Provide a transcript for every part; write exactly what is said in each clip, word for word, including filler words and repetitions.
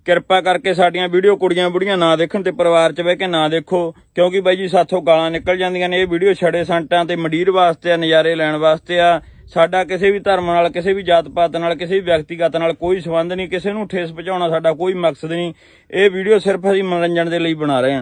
ਕਿਰਪਾ ਕਰਕੇ ਸਾਡੀਆਂ ਵੀਡੀਓ ਕੁੜੀਆਂ ਬੁੜੀਆਂ ਨਾ ਦੇਖਣ ਤੇ ਪਰਿਵਾਰ 'ਚ ਬਹਿ ਕੇ ਨਾ ਦੇਖੋ, ਕਿਉਂਕਿ ਬਾਈ ਜੀ ਸਾਥੋਂ ਗਾਲਾਂ ਨਿਕਲ ਜਾਂਦੀਆਂ ਨੇ। ਇਹ ਵੀਡੀਓ ਛੜੇ ਸੰਟਾਂ ਤੇ ਮੰਡੀਰ ਵਾਸਤੇ ਆ, ਨਜ਼ਾਰੇ ਲੈਣ ਵਾਸਤੇ ਆ। ਸਾਡਾ ਕਿਸੇ ਵੀ ਧਰਮ ਨਾਲ, ਕਿਸੇ ਵੀ ਜਾਤ ਪਾਤ ਨਾਲ, ਕਿਸੇ ਵੀ ਵਿਅਕਤੀਗਤ ਨਾਲ ਕੋਈ ਸੰਬੰਧ ਨਹੀਂ। ਕਿਸੇ ਨੂੰ ਠੇਸ ਪਹੁੰਚਾਉਣਾ ਸਾਡਾ ਕੋਈ ਮਕਸਦ ਨਹੀਂ। ਇਹ ਵੀਡੀਓ ਸਿਰਫ ਅਸੀਂ ਮਨੋਰੰਜਨ ਦੇ ਲਈ ਬਣਾ ਰਹੇ ਹਾਂ।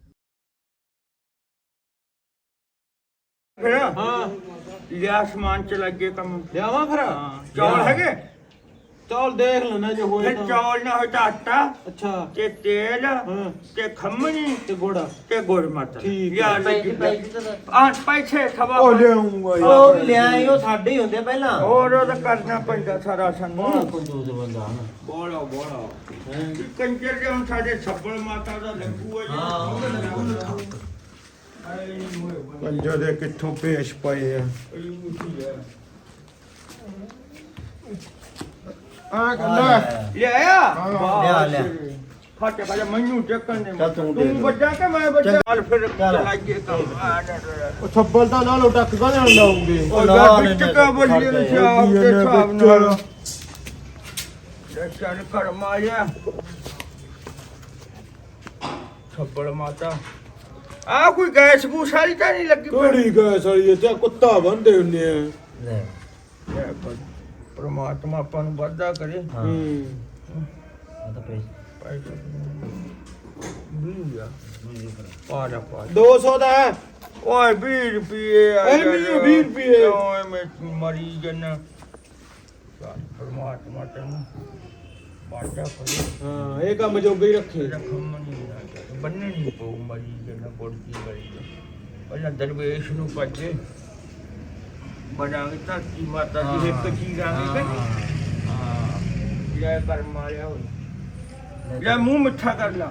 ਹਾਂ ਲਿਆ ਸਮਾਨ ਚ ਲੱਗੇ ਕੰਮ ਲਿਆਵਾਂ ਫਿਰ ਚੌਲ ਹੈਗੇ? ਚੌਲ ਦੇਖ ਲੈਣਾ ਜੇ ਹੋਏ ਤਾਂ। ਚੌਲ ਨਾ ਹੋਏ ਤਾਂ ਆਟਾ ਅੱਛਾ ਤੇ ਤੇਲ ਹਾਂ ਤੇ ਖੰਮਣੀ ਤੇ ਗੋੜਾ ਤੇ ਗੁੜ ਮਟਰ। ਠੀਕ ਆ ਪੈਸੇ ਖਵਾ ਉਹ ਲਿਆਉਂਗਾ ਯਾਰ। ਉਹ ਲਿਆਏ ਉਹ ਸਾਡੇ ਹੀ ਹੁੰਦੇ ਪਹਿਲਾਂ। ਹੋਰ ਉਹ ਤਾਂ ਕਰਨਾ ਪੈਂਦਾ ਸਾਰਾ ਸਾਨੂੰ। ਕੰਜੂਸ ਬੰਦਾ ਹਨਾ। ਬੋਲਾ ਬੋਲਾ ਕੰਜਰ ਦੇ ਹੁਣ ਸਾਡੇ ਛੱਬਲ ਮਾਤਾ ਦਾ ਲੱਗੂ ਆ। ਹਾਂ ਉਹ ਲੱਗੂ। ਕੰਜਰ ਦੇ ਕਿੱਥੋਂ ਪੇਸ਼ ਪਏ ਆ। ਆ ਕੰਦਾ ਲਿਆਇਆ ਲਿਆ ਲਿਆ ਫਾਟੇ ਖਾ ਮੈਨੂੰ ਚੱਕਣ ਦੇ। ਚੱਲ ਤੂੰ ਦੇ ਤੂੰ ਵੱਡਾ ਕਿ ਮੈਂ ਵੱਡਾ? ਚੱਲ ਫਿਰ ਚਲਾਈਏ ਕੰਮ। ਉਹ ਛੱਬਲ ਤਾਂ ਨਾਲ ਟੱਕ ਕਾਹਦੇ ਨਾਲ ਲਾਉਂਗੇ। ਉਹ ਯਾਰ ਵਿੱਚ ਕਾ ਬੋਲੀ ਨੇ ਸ਼ਾਮ ਦੇ ਹਿਸਾਬ ਨਾਲ ਚੱਲ ਕਰ ਮਾਰਿਆ ਛੱਪੜ ਮਾਤਾ। ਆ ਕੋਈ ਗੈਸ ਗੂਸ ਵਾਲੀ ਤਾਂ ਨਹੀਂ ਲੱਗੀ? ਕਿਹੜੀ ਗੈਸ ਵਾਲੀ ਤੇ ਕੁੱਤਾ ਬੰਦੇ ਹੁੰਦੇ ਆ। ਲੈ ਪਰਮਾਤਮਾ ਆਪਾਂ ਨੂੰ ਵਾਧਾ ਕਰੇ। ਹਾਂ ਹੂੰ ਆ ਤਾਂ ਪੈਸੇ ਵੀਹ ਆ ਪਾ ਲੈ ਪਾ ਲੈ। ਦੋ ਸੌ ਦਾ ਹੈ। ਓਏ ਵੀਹ ਰੁਪਏ ਆ ਐ ਵੀਹ ਵੀਹ ਰੁਪਏ। ਓਏ ਮੈਂ ਮਰੀ ਜਨ ਪਰਮਾਤਮਾ ਤੈਨੂੰ ਵਾਧਾ ਕਰੇ। ਹਾਂ ਇਹ ਕੰਮ ਜੋਗਾ ਹੀ ਰੱਖੇ। ਰਖਮ ਨਹੀਂ ਬੰਨਣੀ ਪਊ ਮਰੀ ਜਨ ਬੋੜਦੀ ਗਈ। ਪਹਿਲਾਂ ਦਰਵੇਸ਼ ਨੂੰ ਭੱਜੇ ਬਣਾਂਗੇ ਧਰਤੀ ਮਾਤਾ ਦੀ ਇੱਕ ਚੀਜ਼ ਆਂਗੇ। ਹਾਂ ਜੈ ਕਰ ਮਾਰਿਆ ਹੋਇਆ। ਲੈ ਮੂੰਹ ਮਿੱਠਾ ਕਰ ਲਾ।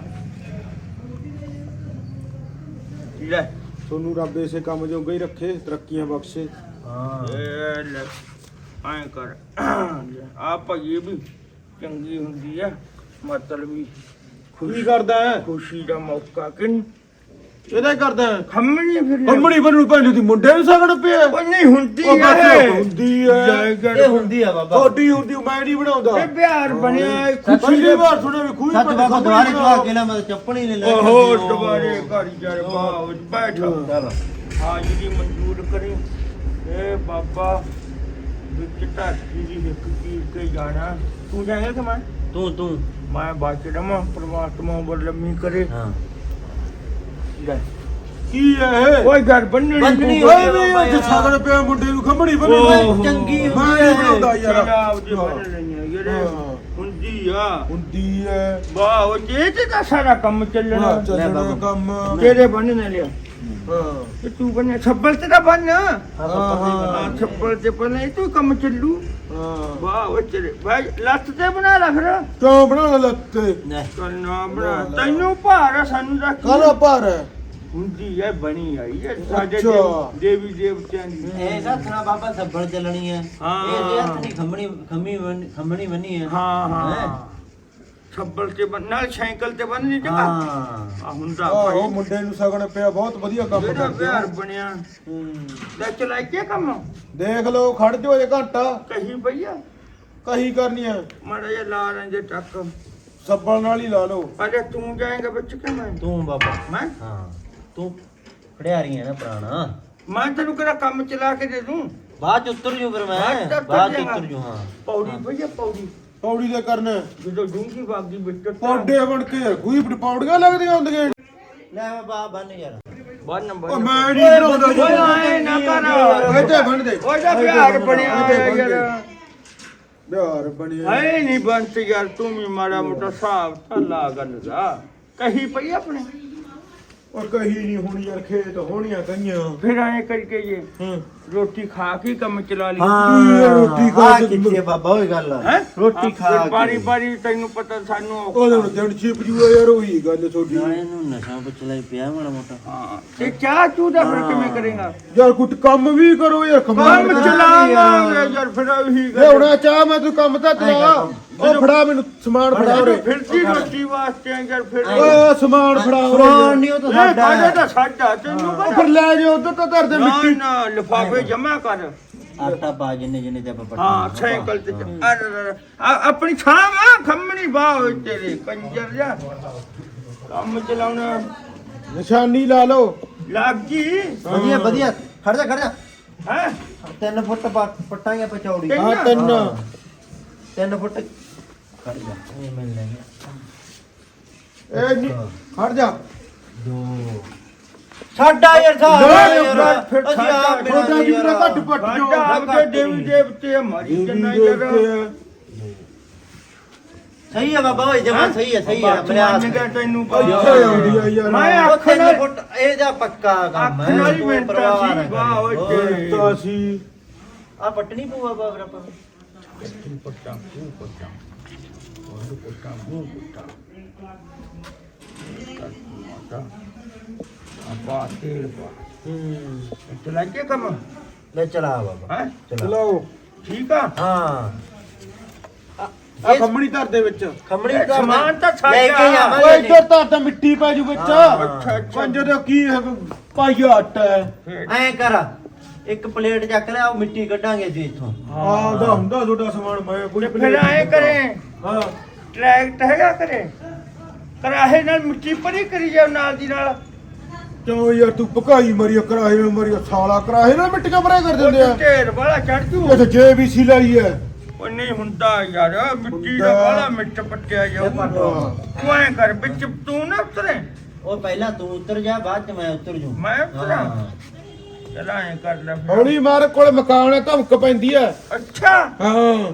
ਲੈ ਤੁਹਾਨੂੰ ਰੱਬ ਇਸੇ ਕੰਮ ਜੋਗਾ ਹੀ ਰੱਖੇ, ਤਰੱਕੀਆਂ ਬਖਸ਼ੇ। ਹਾਂ ਇਹ ਲੈ ਐਂ ਕਰ ਆ ਭਈ ਵੀ ਚੰਗੀ ਹੁੰਦੀ ਆ, ਮਤਲਬ ਵੀ ਕੀ ਕਰਦਾ ਹੈ? ਖੁਸ਼ੀ ਦਾ ਮੌਕਾ ਕਿ ਨਹੀਂ? ਇਹਦਾ ਹੀ ਕਰਦਾ ਹੈ। ਖੰਮਣੀ ਫਿਰ ਕੰਮਣੀ ਬਣੂ ਭੈਣ ਦੀ ਮੁੰਡੇ ਨੂੰ ਸਗੜ ਪਿਆ। ਉਹ ਨਹੀਂ ਹੁੰਦੀ ਉਹ ਬਸ ਹੈ ਹੁੰਦੀ ਹੈ। ਇਹ ਹੁੰਦੀ ਆ ਬਾਬਾ। ਥੋੜੀ ਹੁੰਦੀ ਮੈਂ ਨਹੀਂ ਬਣਾਉਂਦਾ। ਇਹ ਪਿਆਰ ਬਣਿਆ ਪਹਿਲੀ ਵਾਰ ਸੁਣਿਆ ਵੀ ਖੂਹੀ ਸੱਚ ਬਾਬਾ ਦੁਆਰੇ ਚਲਾ ਕੇ ਨਾ ਮੈਂ ਚੱਪਣੀ ਲੈ ਲੈ। ਓਹੋ ਦੁਬਾਰੇ ਘਰ ਜਾ ਬਾਹਰ ਬੈਠ। ਚੱਲ ਹਾਜ਼ਰੀ ਮਨਜ਼ੂਰ ਕਰੀ। ਇਹ ਬਾਬਾ ਵਿੱਚ ਧਰਤੀ ਦੀ ਇੱਕ ਚੀਜ਼ ਤੇ ਜਾਣਾ। ਤੂੰ ਜਾਏਗਾ ਕਿ ਮੈਂ? ਤੂੰ ਤੂੰ ਮੈਂ ਬਾਕੀ ਰਮਾ ਪਰਮਾਤਮਾ ਉਮਰ ਲੰਮੀ ਕਰੇ। ਹਾਂ ਲੈ ਕੀ ਹੈ ਇਹ? ਕੋਈ ਘਰ ਬੰਨਣੀ ਬੰਨਣੀ ਪਊ। ਓਏ ਵੀ ਅੱਜ ਸਗੜ ਪਿਆ ਮੁੰਡੇ ਨੂੰ ਖੰਮਣੀ ਓਹ। ਬਣੂ। ਚੰਗੀ ਮੈਂ ਨਹੀਂ ਬਣਾਉਂਦਾ ਯਾਰ। ਪੰਜਾਬ ਦੇ ਬੰਨ ਲਈਆਂ ਯਾਰ। ਹਾਂ। ਹੁੰਦੀ ਆ ਹੁੰਦੀ ਹੈ। ਵਾਹ ਉਹ ਜੇ ਤੇ ਤਾਂ ਸਾਰਾ ਕੰਮ ਚੱਲਣਾ। ਹਾਂ, ਚੱਲਣਾ ਕੰਮ। ਤੇਰੇ ਬੰਨ ਨੇ ਲਿਆ ਹਾਂ ਤੇ ਤੂੰ ਬੰਨਿਆ ਛੱਬਲ ਤੇ ਤਾਂ ਬੰਨ। ਹਾਂ ਹਾਂ, ਹਾਂ ਛੱਬਲ ਤੇ ਬੰਨ ਇਹ ਤੂੰ ਕੰਮ ਚੱਲੂ। ਹਾਂ ਵਾਹ ਉਹ ਤੇਰੇ ਭਾਈ ਲੱਤ ਤੇ ਬਣਾ ਲੈ ਫਿਰ। ਕਿਉਂ ਬਣਾਉਣਾ ਲੱਤੇ? ਲੈ ਕੰਨਾ ਬਣਾ ਤੈਨੂੰ ਭਾਰ ਆ, ਸਾਨੂੰ ਦਾ ਕੀ? ਕਾਲਾ ਭਾਰ ਹੈ। ਹੁੰਦੀ ਹੈ ਬਣੀ ਆਈ ਹੈ ਸਾਡੇ ਅੱਛਾ। ਦੇਵ- ਦੇਵੀ ਦੇਵਤਿਆਂ ਦੀ। ਇਹ ਸਾਥਣਾ ਬਾਬਾ ਸੱਬਲ ਚੱਲਣੀ ਹੈ। ਹਾਂ। ਇਹ ਜੇ ਹੱਥ ਨਹੀਂ ਖੰਮਣੀ ਖੰਮੀ ਬਣ- ਖੰਮਣੀ ਬੰਨੀ ਹੈ। ਹਾਂ ਹਾਂ ਹੈਂ? ਛੱਬਲ ਤੇ ਬੰਨ ਨਾਲ ਸਾਈਕਲ ਤੇ ਬੰਨ ਨਹੀਂ ਚੰਗਾ। ਹਾਂ ਆ ਹੁੰਦਾ ਆਹੋ ਭਾਈ ਮੁੰਡੇ ਨੂੰ ਸਗੜ ਪਿਆ, ਬਹੁਤ ਵਧੀਆ ਕੰਮ ਜਿਹੜਾ ਕਰਦੇ ਪਿਆਰ ਹੋ। ਬਣਿਆ। ਹੂੰ। ਲੈ ਚਲਾਈ ਕੇ ਕੰਮ ਦੇਖ ਲਓ ਖੜ ਜਾਓ ਇਹ ਘੰਟਾ ਕਹੀ ਭਈਆ ਕਹੀ ਕਰਨੀ ਹੈ। ਮਾੜਾ ਜਿਹਾ ਲਾ ਰਹੇ ਟੱਕ। ਸੱਬਲ ਨਾਲ ਹੀ ਲਾ ਲਓ। ਅਰੇ ਤੂੰ ਜਾਏਗਾ ਬੱਚ ਕੇ ਮੈਂ ਤੂੰ ਬਾਬਾ ਮੈਂ ਹਾਂ ਤੂੰ ਖੜਿਆਰੀ ਹੈ ਨਾ ਪੁਰਾਣਾ। ਮੈਂ ਤੈਨੂੰ ਕਿਹੜਾ ਕੰਮ ਚਲਾ ਕੇ ਦੇ ਦੂੰ? ਬਾਅਦ ਚ ਉਤਰ ਜੂ ਫਿਰ ਮੈਂ ਬਾਅਦ ਚ ਉਤਰ ਬਾਅਦ ਚ ਜਾਏਗਾ। ਉਤਰ ਜੂ। ਹਾਂ ਪੌੜੀ ਭਈਆ ਪੌੜੀ ਪੌੜੀ ਦੇ ਕਰਨਾ ਜਦੋਂ ਡੂੰਗੀ ਬਾਗੀ ਵਿੱਚ ਪੌਡੇ ਬਣ ਕੇ ਕੋਈ ਪੌੜੀਆਂ ਲੱਗਦੀਆਂ ਹੁੰਦੀਆਂ। ਲੈ ਬਾਬਾ ਬੰਨ ਯਾਰ। ਬਾਅਦ ਨੰਬਰ ਉਹ ਮੈਂ ਨਹੀਂ ਬਣਾਉਂਦਾ ਜੀ। ਓਏ ਆਏ ਨਾ ਕਰ। ਇੱਥੇ ਬਣ ਦੇ। ਓਏ ਦਾ ਪਿਆਰ ਬਣਿਆ ਹੋਇਆ ਯਾਰ। ਪਿਆਰ ਬਣਿਆ। ਹੈ ਨਹੀਂ ਬੰਤ ਯਾਰ ਤੂੰ ਵੀ ਮਾੜਾ ਮੋਟਾ ਹਿਸਾਬ ਥੱਲਾ ਗੱਲ ਦਾ ਕਹੀ ਪਈ ਆਪਣੇ। ਉਹ ਕਹੀ ਨਹੀਂ ਹੋਣੀ ਯਾਰ, ਖੇਤ ਹੋਣੀਆਂ ਕਈਆਂ। ਫਿਰ ਐਂ ਕਰਕੇ ਜੇ ਹਾਂ ਰੋਟੀ ਖਾ ਕੇ ਕੰਮ ਚਲਾ ਲਈ। ਹਾਂ, ਰੋਟੀ ਖਾ ਆ ਕੇ ਕਿੱਥੇ ਬਾਬਾ ਹੋਈ ਗੱਲ ਆ। ਹੈਂ? ਰੋਟੀ ਖਾ ਕੇ ਬਾਰੀ ਬਾਰੀ ਤੈਨੂੰ ਪਤਾ ਸਾਨੂੰ ਔਖਾ। ਉਹਦੇ ਨੂੰ ਦਿਨ ਛਿਪ ਜੂਆ ਯਾਰ, ਉਹੀ ਗੱਲ ਤੁਹਾਡੀ। ਨਾਲੇ ਨੂੰ ਨਸ਼ਾ ਪੁੱਛ ਲਈ ਪਿਆ ਮਾੜਾ ਮੋਟਾ। ਹਾਂ ਤੇ ਚਾਹ ਚੂ ਦਾ ਫਿਰ ਕਿਵੇਂ ਕਰੇਗਾ? ਯਾਰ ਕੁਝ ਕੰਮ ਵੀ ਕਰੋ ਯਾਰ, ਕਮਾਲ ਕੰਮ ਕਰੋ। ਚਲਾਵਾਂਗੇ ਯਾਰ ਫਿਰ ਉਹੀ ਗੱਲ। ਲਿਆਉਣਾ ਚਾਹ ਮੈਂ ਤੂੰ ਕੰਮ ਤਾਂ ਚਲਾ। ਉਹ ਫੜਾ ਮੈਨੂੰ ਸਮਾਨ ਫੜਾ ਉਰੇ। ਫਿਰਦੀ ਰੋਟੀ ਵਾਸਤੇ ਯਾਰ ਫਿਰ ਓਏ ਸਮਾਨ ਫੜਾ ਉਰੇ। ਸਮਾਨ ਨਹੀਂ ਉਹ ਤਾਂ ਇਹ ਸਾਡਾ ਕਾਹਦਾ ਹੈ। ਤਾਂ ਸਾਡਾ ਤੈਨੂੰ ਉਹ ਪਤਾ। ਫਿਰ ਲੈ ਜਾ ਉਧਰ ਤਾਂ ਧਰ ਦੇ ਨਾ ਮਿੱਟੀ। ਨਾ ਲਿਫਾਫੇ ਜਮਾ ਕਰ। ਆਟਾ ਪਾ ਜਿੰਨੇ ਜਿੰਨੇ ਤੇ ਆਪਾਂ ਪੱਟੀ ਹਾਂ ਸਾਈਕਲ ਤੇ ਆ- ਆ- ਆ- ਆਪਣੀ ਛਾਂ ਵਾ ਖੰਮਣੀ ਬਾਹ ਹੋਏ ਤੇਰੇ ਕੰਜਰ ਜਾ ਕੰਮ ਚਲਾਉਣਾ ਨਿਸ਼ਾਨੀ ਲਾ ਲਓ ਲੱਗ ਗਈ ਵਧੀਆ ਵਧੀਆ ਖੜ ਜਾ ਖੜ ਜਾ ਹੈ ਤਿੰਨ ਫੁੱਟ ਪਾ- ਪੱਟਾਂਗੇ ਪਚੌੜੀ ਤਿੰਨ? ਹਾਂ ਤਿੰਨ ਹਾਂ। ਤਿੰਨ ਫੁੱਟ ਖੜ ਜਾ ਇਹ ਮਿਲ ਲੈਣੇ ਇਹ ਨੀ- ਖੜ ਜਾ ਦੋ ਸਾਡਾ ਯਾਰ ਸਾਡਾ ਦੋ ਯਾਰ ਫਿਰ ਅਸੀਂ ਆਪ ਸਾਡਾ ਬਿਨਾਂ ਛੋਟਾ ਜੀ ਮੇਰਾ ਘੱਟ ਪੱਟ ਵਾਜਾ ਜੋ ਆਪਦੇ ਦੇਵੀ ਦੇਵਤੇ ਮਰੀ ਜਨਾ ਯਾਰ ਸਹੀ ਹੈ ਬਾਬਾ ਓਏ ਜਮਾ ਸਹੀ ਹੈ ਸਹੀ ਹੈ ਮੰਨ ਗਿਆ ਤੈਨੂੰ ਇੱਥੇ ਆਉਂਦੀ ਆ ਯਾਰ ਮੈਂ ਉਹ ਅੱਖ ਤਿੰਨ ਨਾਲ ਫੁੱਟ ਇਹ ਜਾ ਪੱਕਾ ਕੰਮ ਅੱਖ ਹੈ ਨਾਲ ਹੀ ਤੂੰ ਮਿੰਟਾਂ ਪਰਵਾਹ ਸੀ, ਨਾ ਵਾਹ ਓਏ ਕਰੀ। ਤੇਰੇ। ਤਾਂ ਸੀ ਆ ਪੱਟਣੀ ਪਊਆ ਬਾਬਰਾ ਪਾ ਪੁੱਟਾਂ ਮੂੰਹ ਪੁੱਟਾਂ ਉਹ ਪੁੱਟਾਂ ਮੂੰਹ ਪੁੱਟਾਂ ਮਾਤਾ ਆਪਾ ਤੇਲ ਪਾ ਹੂੰ ਚਲਾ ਕੇ ਕੰਮ ਲੈ ਚਲਾ ਬਾਬਾ ਹੈ ਚਲਾ ਚਲਾਓ ਠੀਕ ਆ ਹਾਂ ਆ ਖੰਮਣੀ ਧਰ ਦੇ ਵਿੱਚ ਖੰਮਣੀ ਇਹ ਦਾ ਸਮਾਨ ਤਾਂ ਸਾਡਾ। ਲੈ ਕੇ ਓਏ ਜਾਵਾਂਗੇ ਇੱਧਰ ਤਾਂ ਤਾਂ ਮਿੱਟੀ ਪੈ ਜੂ ਵਿੱਚ ਹਾਂ। ਅੱਛਾ ਅੱਛਾ ਪੰਜ ਦਾ ਕੀ ਹੈ ਪਾਈਆ ਆਟਾ ਹੈ ਐ ਕਰ ਇੱਕ ਪਲੇਟ ਚੱਕ ਲੈ ਉਹ ਮਿੱਟੀ ਕੱਢਾਂਗੇ ਜੀ ਇੱਥੋਂ ਆਉਂਦਾ ਹੁੰਦਾ ਤੁਹਾਡਾ ਸਮਾਨ ਮੈਂ ਕੋਈ ਤੇ ਫਿਰ ਐ ਕਰੇ ਹਾਂ ਟਰੈਕਟ ਹੈਗਾ ਕਰੇ ਕਰਾਹੇ ਨਾਲ ਮਿੱਟੀ ਪਰੀ ਕਰੀ ਜਾਓ ਨਾਲ ਦੀ ਨਾਲ ਕਿਉਂ ਯਾਰ ਤੂੰ ਪਕਾਈ ਮਰੀ ਕਰਾਹੇ ਵਿੱਚ ਮਰੀ ਸਾਲਾ ਕਰਾਹੇ ਨਾਲ ਮਿੱਟੀਆਂ ਭਰੇ ਕਰ ਦਿੰਦੇ ਆ ਢੇਰ ਵਾਲਾ ਚੜ ਜੂ ਇੱਥੇ ਜੇ ਵੀ ਸੀ ਲਈ ਹੈ ਉਹ ਨਹੀਂ ਹੁੰਦਾ ਯਾਰ ਮਿੱਟੀ ਦਾ ਹੁੰਦਾ। ਵਾਲਾ ਮਿੱਟ ਪੱਟਿਆ ਜਾਊ ਇਹ ਪੱਟੋ। ਤੂੰ ਐ ਕਰ ਵਿੱਚ ਤੂੰ ਨਾ ਉਤਰੇ ਉਹ ਪਹਿਲਾਂ ਤੂੰ ਉਤਰ ਜਾ ਬਾਅਦ ਚ ਮੈਂ ਉਤਰ ਜੂ ਮੈਂ ਉਤਰਾਂ? ਚਲਾ ਐ ਕਰ ਲੈ ਫਿਰ। ਹੌਲੀ ਮਾਰ ਕੋਲ ਮਕਾਨ ਹੈ ਧਮਕ ਪੈਂਦੀ ਹੈ ਅੱਛਾ ਹਾਂ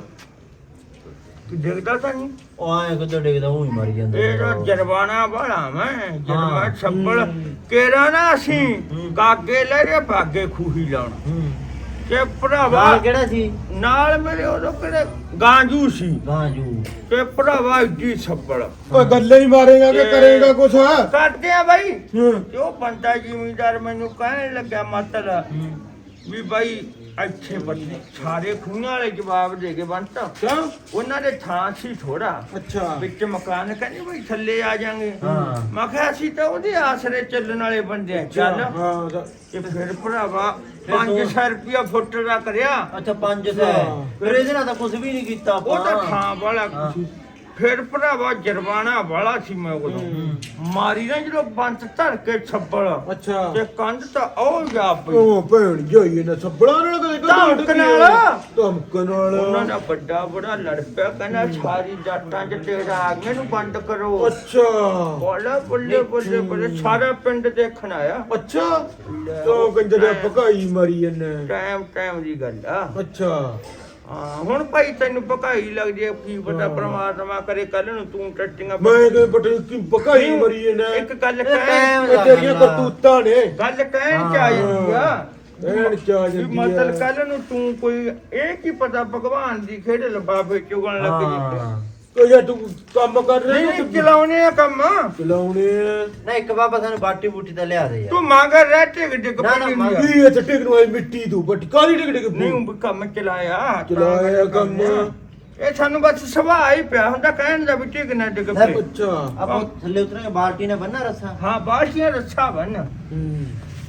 ਤੂੰ ਦੇਖਦਾ ਤਾਂ ਨਹੀਂ ਉਹ ਐ ਕਿੱਦਾਂ ਡਿੱਗਦਾ ਉਹ ਹੀ ਮਰ ਜਾਂਦਾ ਇਹ ਜੋ ਜਰਵਾਣਾ ਵਾਲਾ ਮੈਂ ਜਰਵਾ ਹਾਂ। ਛੱਪੜ ਹੂੰ। ਕੇਰਾ ਨਾ ਅਸੀਂ ਹੂੰ। ਕਾਗੇ ਲੈ ਰੇ ਭਾਗੇ ਖੂਹੀ ਲਾਉਣ ਹੂੰ ਤੇ ਭਰਾਵਾ ਨਾਲ ਕਿਹੜਾ ਸੀ ਨਾਲ ਮੇਰੇ ਉਦੋਂ ਕਿਹੜੇ ਗਾਂਜੂ ਸੀ ਗਾਂਜੂ ਤੇ ਭਰਾਵਾ ਇੱਡੀ ਛੱਪੜ ਓਏ ਗੱਲੇ ਹੀ ਮਾਰੇਗਾ ਕਿ ਇਹ- ਕਰੇਗਾ ਕੁਛ ਕਰਦੇ ਆ ਬਾਈ ਹਾਂ ਤੇ ਉਹ ਬੰਦਾ ਜ਼ਿਮੀਂਦਾਰ ਮੈਨੂੰ ਕਹਿਣ ਲੱਗਾ ਮਤਲਬ ਵੀ ਬਾਈ ਅੱਛੇ ਬੰਦੇ ਸਾਰੇ ਖੂਹਾਂ ਵਾਲੇ ਜਵਾਬ ਦੇ ਕੇ ਬੰਤਾ ਕਿਉਂ ਉਹਨਾਂ ਦੇ ਥਾਂ ਸੀ ਥੋੜਾ ਅੱਛਾ ਵਿੱਚ ਮਕਾਨ ਕਹਿੰਦੇ ਬਈ ਥੱਲੇ ਆ ਜਾਾਂਗੇ ਹਾਂ। ਮੈਂ ਕਿਹਾ ਅਸੀਂ ਤਾਂ ਉਹਦੇ ਆਸਰੇ ਚੱਲਣ ਵਾਲੇ ਬੰਦੇ ਆ ਚੱਲ ਹਾਂ ਤਾਂ- ਤੇ ਫਿਰ ਭਰਾਵਾ ਪੰਜ ਸੌ ਰੁਪਇਆ ਫੁੱਟ ਦਾ ਕਰਿਆ ਅੱਛਾ ਪੰਜ ਸੌ ਹਾਂ। ਫਿਰ ਇਹਦੇ ਨਾਲ ਤਾਂ ਕੁਝ ਵੀ ਨਹੀਂ ਕੀਤਾ ਉਹ ਤਾਂ ਆਪਾਂ। ਥਾਂ ਵਾਲਾ ਹਾਂ। ਫਿਰ ਭਰਾਵਾ ਜਰਵਾਣਾ ਵਾਲਾ ਸੀ ਮੈਂ ਉਦੋਂ ਮਾਰੀ ਨਾ ਜਦੋਂ ਬੰਤ ਧਰ ਕੇ ਛੱਬਲ ਅੱਛਾ ਤੇ ਕੰਧ ਤਾਂ ਉਹ ਜਾ ਪਈ ਉਹ ਭੈਣ ਜਾਈ ਨਾ ਸੱਬੜਾ ਨਾਲ ਕਦੇ ਕਦੇ ਧਮਕ ਨਾਲ। ਧਮਕ ਨਾਲ ਉਹਨਾਂ ਦਾ ਵੱਡਾ ਬੜਾ ਲੜ ਪਿਆ ਕਹਿੰਦਾ ਸਾਰੀ ਜੱਟਾਂ ਚ ਤੇਰਾ ਆਗਮੇ ਨੂੰ ਬੰਦ ਕਰੋ ਅੱਛਾ ਬੋਲੇ ਬੱਲੇ ਬੱਲੇ ਬੱਲੇ ਸਾਰਾ ਪਿੰਡ ਦੇਖਣ ਆਇਆ ਅੱਛਾ ਤੋ ਕੰਜਰ ਭਕਾਈ ਮਾਰੀ ਇਹਨੇ ਟਾਈਮ ਟਾਈਮ ਦੀ ਗੱਲ ਆ ਅੱਛਾ ਹਾਂ ਹੁਣ ਭਾਈ ਤੈਨੂੰ ਭਕਾਈ ਲੱਗ ਜੇ ਕੀ ਪਤਾ ਪ੍ਰਮਾਤਮਾ ਕਰੇ ਕੱਲ ਨੂੰ ਤੂੰ ਟੱਟੀਆਂ ਮੈਂ ਤੇ ਬਟਨ ਕੀ ਭਕਾਈ ਮਾਰੀ ਇਹਨੇ ਇੱਕ ਗੱਲ ਇਹ ਕਹਿ ਟਾਈਮ ਇਹ ਤੇਰੀਆਂ ਕਰਤੂਤਾਂ ਨੇ ਗੱਲ ਕਹਿਣ ਚ ਆਈ ਆ ਐਨ ਚਾ ਵੀ ਜਾਂਦੀ ਮਤਲਬ ਹੈ ਕੱਲ ਨੂੰ ਤੂੰ ਕੋਈ ਇਹ ਕੀ ਪਤਾ ਭਗਵਾਨ ਦੀ ਖੇਡ ਲਬਾਬੇ ਚੁਗਣ ਲੱਗ ਜੇ ਹਾਂ ਕੋ ਯਾਰ ਤੂੰ ਕੰਮ ਕਰ ਨਹੀਂ ਰਿਹਾ ਨਹੀਂ ਚਲਾਉਣੇ ਆ ਕੰਮ ਚਲਾਉਣੇ ਆ। ਨਾ ਇੱਕ ਬਾਬਾ ਸਾਨੂੰ ਬਾਟੀ ਬੂਟੀ ਤਾਂ ਲਿਆ ਦੇ ਯਾਰ ਤੂੰ ਮੰਗਰ ਰਹਿ ਟਿਕ ਟਿਕ ਨਾ, ਨਾ, ਪੜੀ ਮੰਗ- ਨਹੀਂ ਕੀ ਇਹ ਟਿਕ ਨੂੰ ਆਈ ਮਿੱਟੀ ਤੂੰ ਬਟ ਕਾਲੀ ਟਿਕ ਟਿਕ ਨਹੀਂ ਉਹ ਕੰਮ ਚਲਾਇਆ ਤਾਂ ਚਲਾਇਆ ਕੰਮ। ਇਹ ਸਾਨੂੰ ਬਸ ਸੁਭਾਅ ਹੀ ਪਿਆ ਹੁੰਦਾ ਕਹਿਣ ਦਾ ਵੀ ਟਿਕ ਨਾ ਟਿਕ ਲੈ ਪਏ। ਅੱਛਾ ਆਪਾਂ ਥੱਲੇ ਉਤਰਾਂਗੇ ਬਾਲਟੀ ਨੇ ਬੰਨਾ ਰੱਸਾ ਹਾਂ ਬਾਸ਼ੀਆਂ ਰੱਛਾ ਬਣ ਹੂੰ।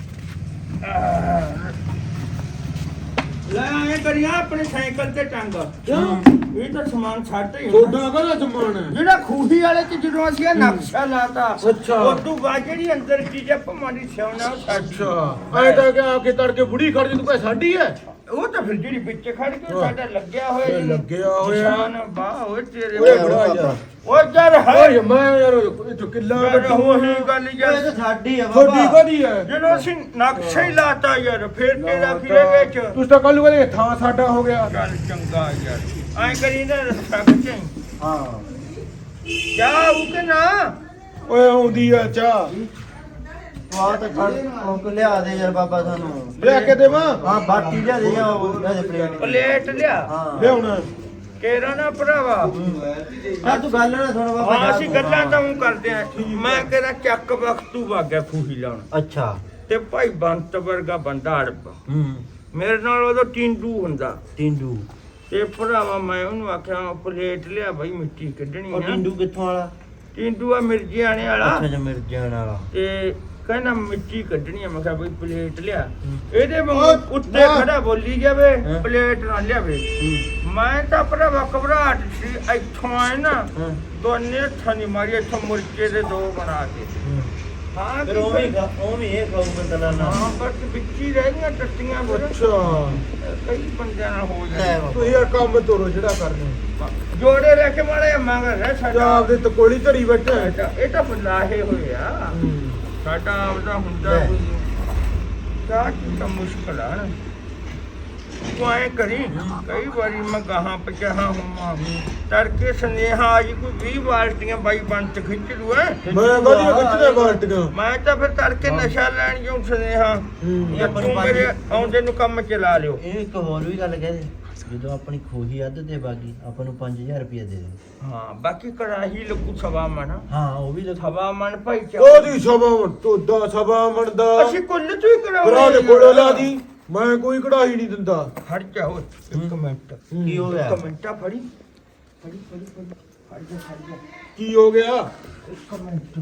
ਲੈ ਆਏ ਕਰੀਆ ਆਪਣੇ ਸਾਈਕਲ ਤੇ ਟੰਗ ਕਿਉਂ ਇਹ ਤਾਂ ਸਮਾਨ ਛੱਡ ਹੀ ਹੁੰਦਾ। ਛੋਟਾ ਕਦਾ ਸਮਾਨ ਹੈ ਜਿਹੜਾ ਖੂਹੀ ਵਾਲੇ ਚ ਜਦੋਂ ਅਸੀਂ ਇਹ ਨਕਸ਼ਾ ਲਾਤਾ ਅੱਛਾ। ਉਹ ਤੋਂ ਬਾਅਦ ਜਿਹੜੀ ਅੰਦਰ ਚੀਜ਼ ਭਮਾਰੀ ਸਿਆਉਣਾ ਉਹ ਸਾਡੀ ਅੱਛਾ ਐ ਤਾਂ ਕਿ ਆ ਕੇ ਤੜਕੇ ਬੁੜੀ ਖੜ ਜੀ ਤੂੰ ਕਹੇ ਸਾਡੀ ਹੈ ਉਹ ਤਾਂ ਫਿਰ ਜਿਹੜੀ ਵਿੱਚ ਖੜ ਕੇ ਹਾਂ। ਸਾਡਾ ਲੱਗਿਆ ਹੋਇਆ ਇਹ ਜੀ। ਲੱਗਿਆ ਹੋਇਆ। ਨਿਸ਼ਾਨ ਬਾਹ ਹੋਏ ਤੇਰੇ ਓਏ ਬੜਾ ਯਾਰ ਉਹ ਜਰ ਹੈ ਓਏ ਮੈਂ ਯਾਰ ਇਹ ਤੋਂ ਕਿੱਲਾ ਯਾਰ ਬੱਟੂ ਉਹੀ ਗੱਲ ਇਹ ਯਾਰ ਤਾਂ ਸਾਡੀ ਆ ਛੋਟੀ ਬਾਬਾ ਕਦੀ ਹੈ ਜਦੋਂ ਅਸੀਂ ਨਕਸ਼ਾ ਹੀ ਲਾਤਾ ਯਾਰ ਫਿਰ ਤੇਰਾ ਫਿਰੇ ਵਿੱਚ ਤੁਸੀਂ ਤਾਂ ਕੱਲ ਨੂੰ ਕਹਿੰਦੇ ਥਾਂ ਸਾਡਾ ਹੋ ਗਿਆ ਚੱਲ ਚੰਗਾ ਯਾਰ ਐਂ ਕਰੀ ਨਾ ਰੱਖਾ ਕੇ ਹਾਂ ਜਾ ਉਹ ਕਿ ਨਾ ਓਏ ਆਉਂਦੀ ਆ ਚਾਹ ਤੂੰ ਆ ਤਾਂ ਛੱਡ ਉਹ ਕੋ ਲਿਆ ਦੇ ਯਾਰ ਬਾਬਾ ਸਾਨੂੰ ਲੈ ਕੇ ਦੇਵਾਂ ਹਾਂ ਬਾਟੀ ਲਿਆ ਦੇ ਜਾ ਉਹ ਲਿਆ ਦੇ ਪਲੇਟ ਪਲੇਟ ਲਿਆ ਹਾਂ ਲਿਆਉਣਾ ਕੇਰਾ ਨਾ ਭਰਾਵਾ ਆ ਤੂੰ ਗੱਲ ਨਾ ਸੁਣ ਬਾਬਾ ਹਾਂ ਜਾ ਅਸੀਂ ਤੂੰ। ਗੱਲਾਂ ਤਾਂ ਉਹ ਕਰਦੇ ਆ ਮੈਂ ਕਹਿੰਦਾ ਚੱਕ ਵਕਤੂ ਵਾਗਿਆ ਖੂਹੀ ਲਾਉਣ ਅੱਛਾ ਤੇ ਭਾਈ ਬੰਤ ਵਰਗਾ ਬੰਦਾ ਅੜਪ ਹੂੰ ਮੇਰੇ ਨਾਲ ਉਦੋਂ ਟਿੰਡੂ ਹੁੰਦਾ ਟਿੰਡੂ ਤੇ ਭਰਾਵਾ ਮੈਂ ਉਹਨੂੰ ਆਖਿਆ ਪਲੇਟ ਲਿਆ ਭਾਈ ਮਿੱਟੀ ਕੱਢਣੀ ਉਹ ਆ ਟਿੰਡੂ ਕਿੱਥੋਂ ਵਾਲਾ ਟਿੰਡੂ ਆ ਮਿਰਜਿਆਣੇ ਵਾਲਾ ਅੱਛਾ ਜੀ ਮਿਰਜਾਨ ਵਾਲਾ ਤੇ ਕਹਿੰਦਾ ਮਿੱਟੀ ਕੱਢਣੀ ਆ। ਮੈਂ ਕਿਹਾ ਬਈ ਪਲੇਟ ਲਿਆ। ਇਹਦੇ ਓਏ, ਵਾਂਗੂ ਉੱਤੇ ਨਾ। ਖੜਾ ਬੋਲੀ ਜਾਵੇ ਹਾਂ। ਪਲੇਟ ਨਾ ਲਿਆਵੇ। ਮੈਂ ਤਾਂ ਆਪਣਾ ਘਬਰਾਹਟ ਸੀ ਇੱਥੋਂ ਆਏ ਨਾ ਹਾਂ ਦੋਨੇ ਹੱਥਾਂ ਦੀ ਮਾਰੀ ਇੱਥੋਂ ਮੁਰਕੇ ਦੇ ਦੋ ਬਣਾ ਕੇ। ਹਾਂ ਫਿਰ ਉਹ ਵੀ ਖਾ- ਉਹ ਵੀ ਇਹ ਖਾਊਗਾ ਦਲਾਨਾ ਹਾਂ ਬਸ ਵਿੱਚ ਹੀ ਰਹਿ ਗਈਆਂ ਟੱਟੀਆਂ ਫਿਰ। ਅੱਛਾ ਕਈ ਬੰਦਿਆਂ ਨਾਲ ਹੋ ਲੈ ਜਾਂਦਾ। ਬਾਬਾ। ਤੂੰ ਯਾਰ ਕੰਮ ਤੋਰੋ ਜਿਹੜਾ ਕਰਨਾ ਜੋੜੇ ਲੈ ਕੇ ਮਾਰੇ ਮੰਗਰ ਹੈ ਜਾਂ ਸਾਡਾ। ਆਪਦੇ ਤਕੋਲੀ ਧਰੀ ਬੈਠਾ ਹੈ। ਸਾਡਾ- ਇਹ ਤਾਂ ਬੁਲਾਹੇ ਹੋਏ ਆ। ਸਾਡਾ ਆਪਦਾ ਹੁੰਦਾ ਲੈ। ਕੋਈ ਚਾਹ ਤਾਂ ਮੁਸ਼ਕਲ ਆ ਨਾ। ਤੂੰ ਐਂ ਕਰੀ ਕਈ ਵਾਰੀ ਮੈਂ ਗਾਹਾਂ ਪਚਾਹਾਂ ਹੁਮਾ ਤੜਕੇ ਸੁਨੇਹਾ ਆ ਜੀ ਕੋਈ ਵੀਹ ਬਾਲਟੀਆਂ ਬਾਈ ਬੰਤ ਖਿੱਚ ਲੂ ਐ। ਮੈਂ ਕਦੀ ਖਿੱਚਦਾ ਬਾਲਟੀਆਂ ਮੈਂ ਤਾਂ ਫਿਰ ਤੜਕੇ ਨਸ਼ਾ ਲੈਣ ਜਾਉਂ ਸੁਨੇਹਾ ਹੂੰ। ਜਾਂ ਤੂੰ ਮੇਰੇ ਆਉਂਦੇ ਨੂੰ ਕੰਮ ਚਲਾ ਲਿਓ। ਇਹ ਇੱਕ ਹੋਰ ਵੀ ਗੱਲ ਕਹਦੇ ਜਦੋਂ ਆਪਣੀ ਖੋਹੀ ਅੱਧ ਤੇ ਬਾਗੀ ਆਪਾਂ ਨੂੰ ਪੰਜ ਹਜ਼ਾਰ ਰੁਪਏ ਦੇ ਦੇ। ਹਾਂ ਬਾਕੀ ਕੜਾਹੀ ਲੱਗੂ ਸਵਾ ਮਣ ਹਾਂ ਉਹ ਵੀ ਲਿਖਾ ਸਵਾ ਮਣ ਭਾਈ ਚਾ ਉਹਦੀ ਸਭਾ ਤੋਦਾ ਸਭਾ ਮਣਦਾ ਅਸੀਂ ਕੁੱਲ ਚੋਂ ਹੀ ਭਰਾ ਕਰਾਉਂਦੇ ਦੇ ਕੋਲੋਂ ਲਾ ਦੀ ਮੈਂ ਕੋਈ ਕਢਾਈ ਨਹੀਂ ਦਿੰਦਾ। ਖੜ ਜਾ ਓਏ ਇੱਕ ਮਿੰਟ ਕੀ ਹੋ ਗਿਆ ਇੱਕ ਮਿੰਟ ਆ ਫੜੀ ਫੜੀ ਫੜੀ ਫੜੀ ਖੜ ਜਾ ਖੜ ਜਾ ਕੀ ਹੋ ਗਿਆ? ਇੱਕ ਮਿੰਟ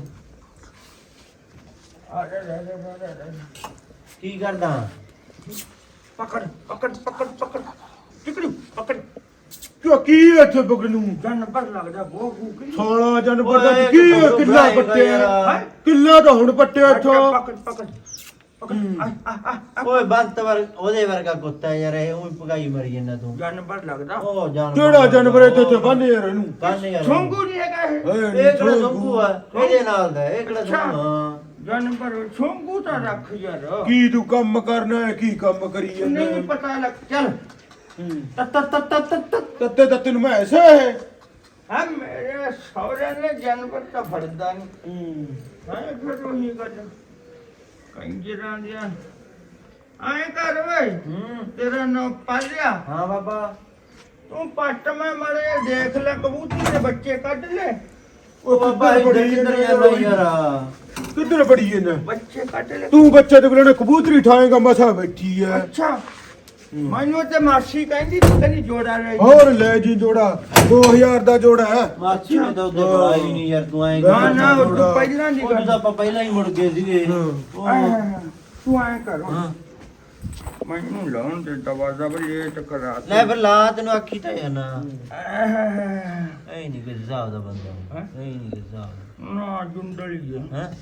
ਆ ਰੇ ਰੇ ਰੇ ਰੇ ਰੇ ਕੀ ਕਰਦਾ ਪਕੜ ਪਕੜ ਪਕੜ ਪਕੜ ਟਿਕੜੀ ਪਕੜ ਕਿਉਂ ਕੀ ਇੱਥੇ ਬਗਨੂ ਜਨ ਪਰ ਲੱਗਦਾ ਬਹੁਤ ਭੂਖੀ ਸਾਲਾ ਜਾਨਵਰ ਦਾ ਓਏ, ਕੀ ਕਿੱਥੋਂ ਕਿੱਲਾ ਬਣਾਏਗਾ ਪੱਟਿਆ ਯਾਰ? ਕਿੱਲਾ ਤਾਂ ਹੁਣ ਪੱਟਿਆ ਇੱਥੋਂ। ਪਕੜ ਪਕੜ ਪਕੜ ਆ ਆ ਆ ਓਏ ਬੰਤ ਵਰ ਉਹਦੇ ਵਰਗਾ ਕੁੱਤਾ ਯਾਰ ਇਹ ਉਹ ਭਗਾਈ ਮਰੀ ਜਾਂਦਾ ਤੂੰ ਜਨ ਪਰ ਲੱਗਦਾ ਉਹ ਜਾਨ ਕਿਹੜਾ ਜਾਨਵਰ ਇੱਥੇ ਤੇ ਬੰਨ ਯਾਰ ਇਹਨੂੰ? ਕੰਨ ਯਾਰ ਛੋਂਗੂ ਨਹੀਂ ਹੈਗਾ ਇਹ ਏ, ਇਹ ਕਿਹੜਾ ਸੰਭੂ ਆ ਇਹਦੇ ਨਾਲ ਦਾ ਇਹ ਕਿਹੜਾ ਅੱਛਾ। ਸੰਭੂ ਹਾਂ ਜਨ ਪਰ ਛੋਂਗੂ ਤਾਂ ਰੱਖ ਯਾਰ ਕੀ ਤੂੰ ਕੰਮ ਕਰਨਾ ਹੈ? ਕੀ ਕੰਮ ਕਰੀ ਜਾਂਦਾ ਨਹੀਂ ਪਤਾ ਲੱਗ ਚੱਲ ਤਤ ਤਤ ਤਤ ਤਤ ਤੱਤੇ ਤੱਤੇ ਨੂੰ ਮੈਂ ਐਸਾ ਹੈ। ਹਾਂ ਮੇਰੇ ਸਹੁਰੇ ਨੇ ਜਾਨਵਰ ਤਾਂ ਫੜਦਾ ਨਹੀਂ ਹਾਂ ਫਿਰ ਉਹੀ ਗੱਲ ਕੰਜਰਾਂ ਦੀਆਂ ਆਏ ਕਰ ਵੇ ਹੂੰ ਤੇਰਾ ਨਾਂ ਪਾਲਿਆ ਹਾਂ ਬਾਬਾ ਤੂੰ ਪੱਟ ਮੈਂ ਮਰੇ ਦੇਖ ਲੈ ਕਬੂਤਰ ਦੇ ਬੱਚੇ ਕੱਢ ਲੈ ਉਹ ਬਾਬਾ ਇੱਧਰ ਕਿੱਧਰ ਜਾਂਦਾ ਯਾਰ ਕਿੱਧਰ ਬੜੀ ਇਹਨਾਂ ਬੱਚੇ ਕੱਢ ਲੈ ਤੂੰ ਬੱਚੇ ਦੇ ਕੋਲ ਕਬੂਤਰੀ ਠਾਏਗਾ ਮਸਾ ਬੈਠੀ ਹੈ। ਅੱਛਾ ਮੈਨੂੰ ਤੇ ਮਾਸੀ ਕਹਿੰਦੀ ਤੂੰ ਕਹਿੰਦੀ ਜੋੜਾ ਰਹਿ ਹੋਰ ਲੈ ਜੀ ਜੋੜਾ ਦੋ ਹਜ਼ਾਰ ਦਾ ਜੋੜਾ ਹੈ। ਮਾਚੀ ਨੇ ਤਾਂ ਉਹਦੇ ਬੁਲਾਈ ਨਹੀਂ ਯਾਰ ਤੂੰ ਐਂ ਨਾ ਨਾ ਉਹ ਤੂੰ ਪਹਿਲਾਂ ਨਹੀਂ ਉਹ ਤਾਂ ਕਰ ਆਪਾਂ ਪਹਿਲਾਂ ਹੀ ਮੁੜ ਗਏ ਸੀਗੇ ਉਹ ਤੂੰ ਆਏ ਕਰ ਹਾਂ ਮੈਨੂੰ ਲਾਉਣ ਦੇ ਦਵਾਜ਼ਾ ਬਈ ਇਹ ਟਕਰਾ ਲੈ ਫਿਰ ਲਾ ਤੈਨੂੰ ਆਖੀ ਤਾਂ ਜਾਣਾ ਆਹ ਐ ਨਹੀਂ ਕਿ ਹਿਸਾਬ ਦਾ ਬੰਦਾ ਹੈਂ? ਐ ਨਹੀਂ ਕਿ ਹਿਸਾਬ ਦਾ ਨਾ ਜੁੰਡਲੀ ਹੈ ਹੈ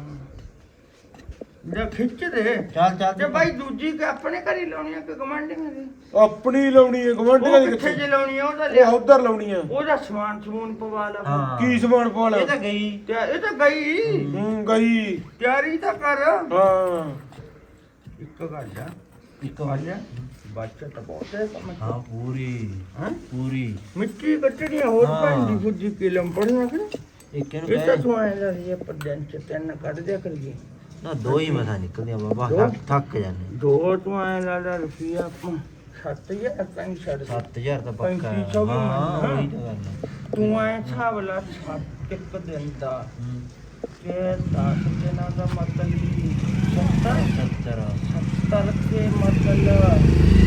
ਜੇ ਖਿੱਚ ਦੇ ਚੱਲ ਚੱਲ ਤੇ ਭਾਈ ਦੂਜੀ ਕਿ ਆਪਣੇ ਘਰੀ ਲਾਉਣੀ ਆ ਕਿ ਗਵਾਂਢੀਆਂ ਦੀ ਆਪਣੀ ਲਾਉਣੀ ਹੈ ਗਵਾਂਢੀਆਂ ਉਹ ਦੀ ਕਿੱਥੇ ਜੇ ਲਾਉਣੀ ਆ ਉਹਦਾ ਇਹ ਲਿਆ ਉਧਰ ਲਾਉਣੀ ਹੈ। ਉਹਦਾ ਸਮਾਨ ਸਮੂਨ ਪਵਾ ਲਾ ਹਾਂ ਕੀ ਸਮਾਨ ਪਾ ਲੈ? ਇਹ ਤਾਂ ਗਈ ਤੇ ਇਹ ਤਾਂ ਗਈ ਹੂੰ ਗਈ ਤਿਆਰੀ ਤਾਂ ਕਰ ਹਾਂ ਇੱਕ ਗੱਲ ਆ ਇੱਕ ਗੱਲ ਆ ਬੱਚਾ ਤਾਂ ਬਹੁਤ ਹੈ ਕੰਮ ਹਾਂ ਪੂਰੀ ਹਾਂ ਪੂਰੀ ਮਿੱਟੀ ਕੱਟਣੀ ਆ, ਹੋਰ ਹਾਂ। ਪੈਂਦੀ ਫੁੱਜੀ ਕਿਲਮ ਪੜਨਾ ਕਿ ਇੱਕ ਇਹਨੂੰ ਇਹ ਤਾਂ ਕਹਿ ਤੂੰ ਆਏ ਲਾ ਇਹ ਪਰਦਨ ਚ ਤਿੰਨ ਕੱਢ ਦਿਆ ਕਰੀਏ ਨਾ ਦੋ ਹੀ ਮਸਾ ਨਿਕਲਦੀਆਂ ਬਾਬਾ ਦੋ? ਥੱਕ- ਥੱਕ ਜਾਂਦੇ ਦੋ ਤੂੰ ਆਏ ਲਾ ਲਾ ਰੁਪਿਆ ਆਪਾਂ ਸੱਤ ਹਜ਼ਾਰ ਤਾਂ ਛੱਡ ਦੇ ਸੱਤ ਹਜ਼ਾਰ ਤਾਂ ਪੱਕਾ ਪੈਂਤੀ ਹੈ। ਸੌ ਵੀ ਹਾਂ ਮੰਨਦਾ। ਉਹੀ ਤਾਂ ਗੱਲ ਹੈ ਤੂੰ ਐ ਹਿਸਾਬ ਲਾ ਸੱਤ ਇੱਕ ਦਿਨ ਦਾ ਹੂੰ। ਕਿ ਦਸ ਦਿਨਾਂ ਦਾ ਮਤਲਬ ਵੀ ਸੱਤਰ ਸੱਤਰ ਸੱਤਰ ਕੇ ਮਤਲਬ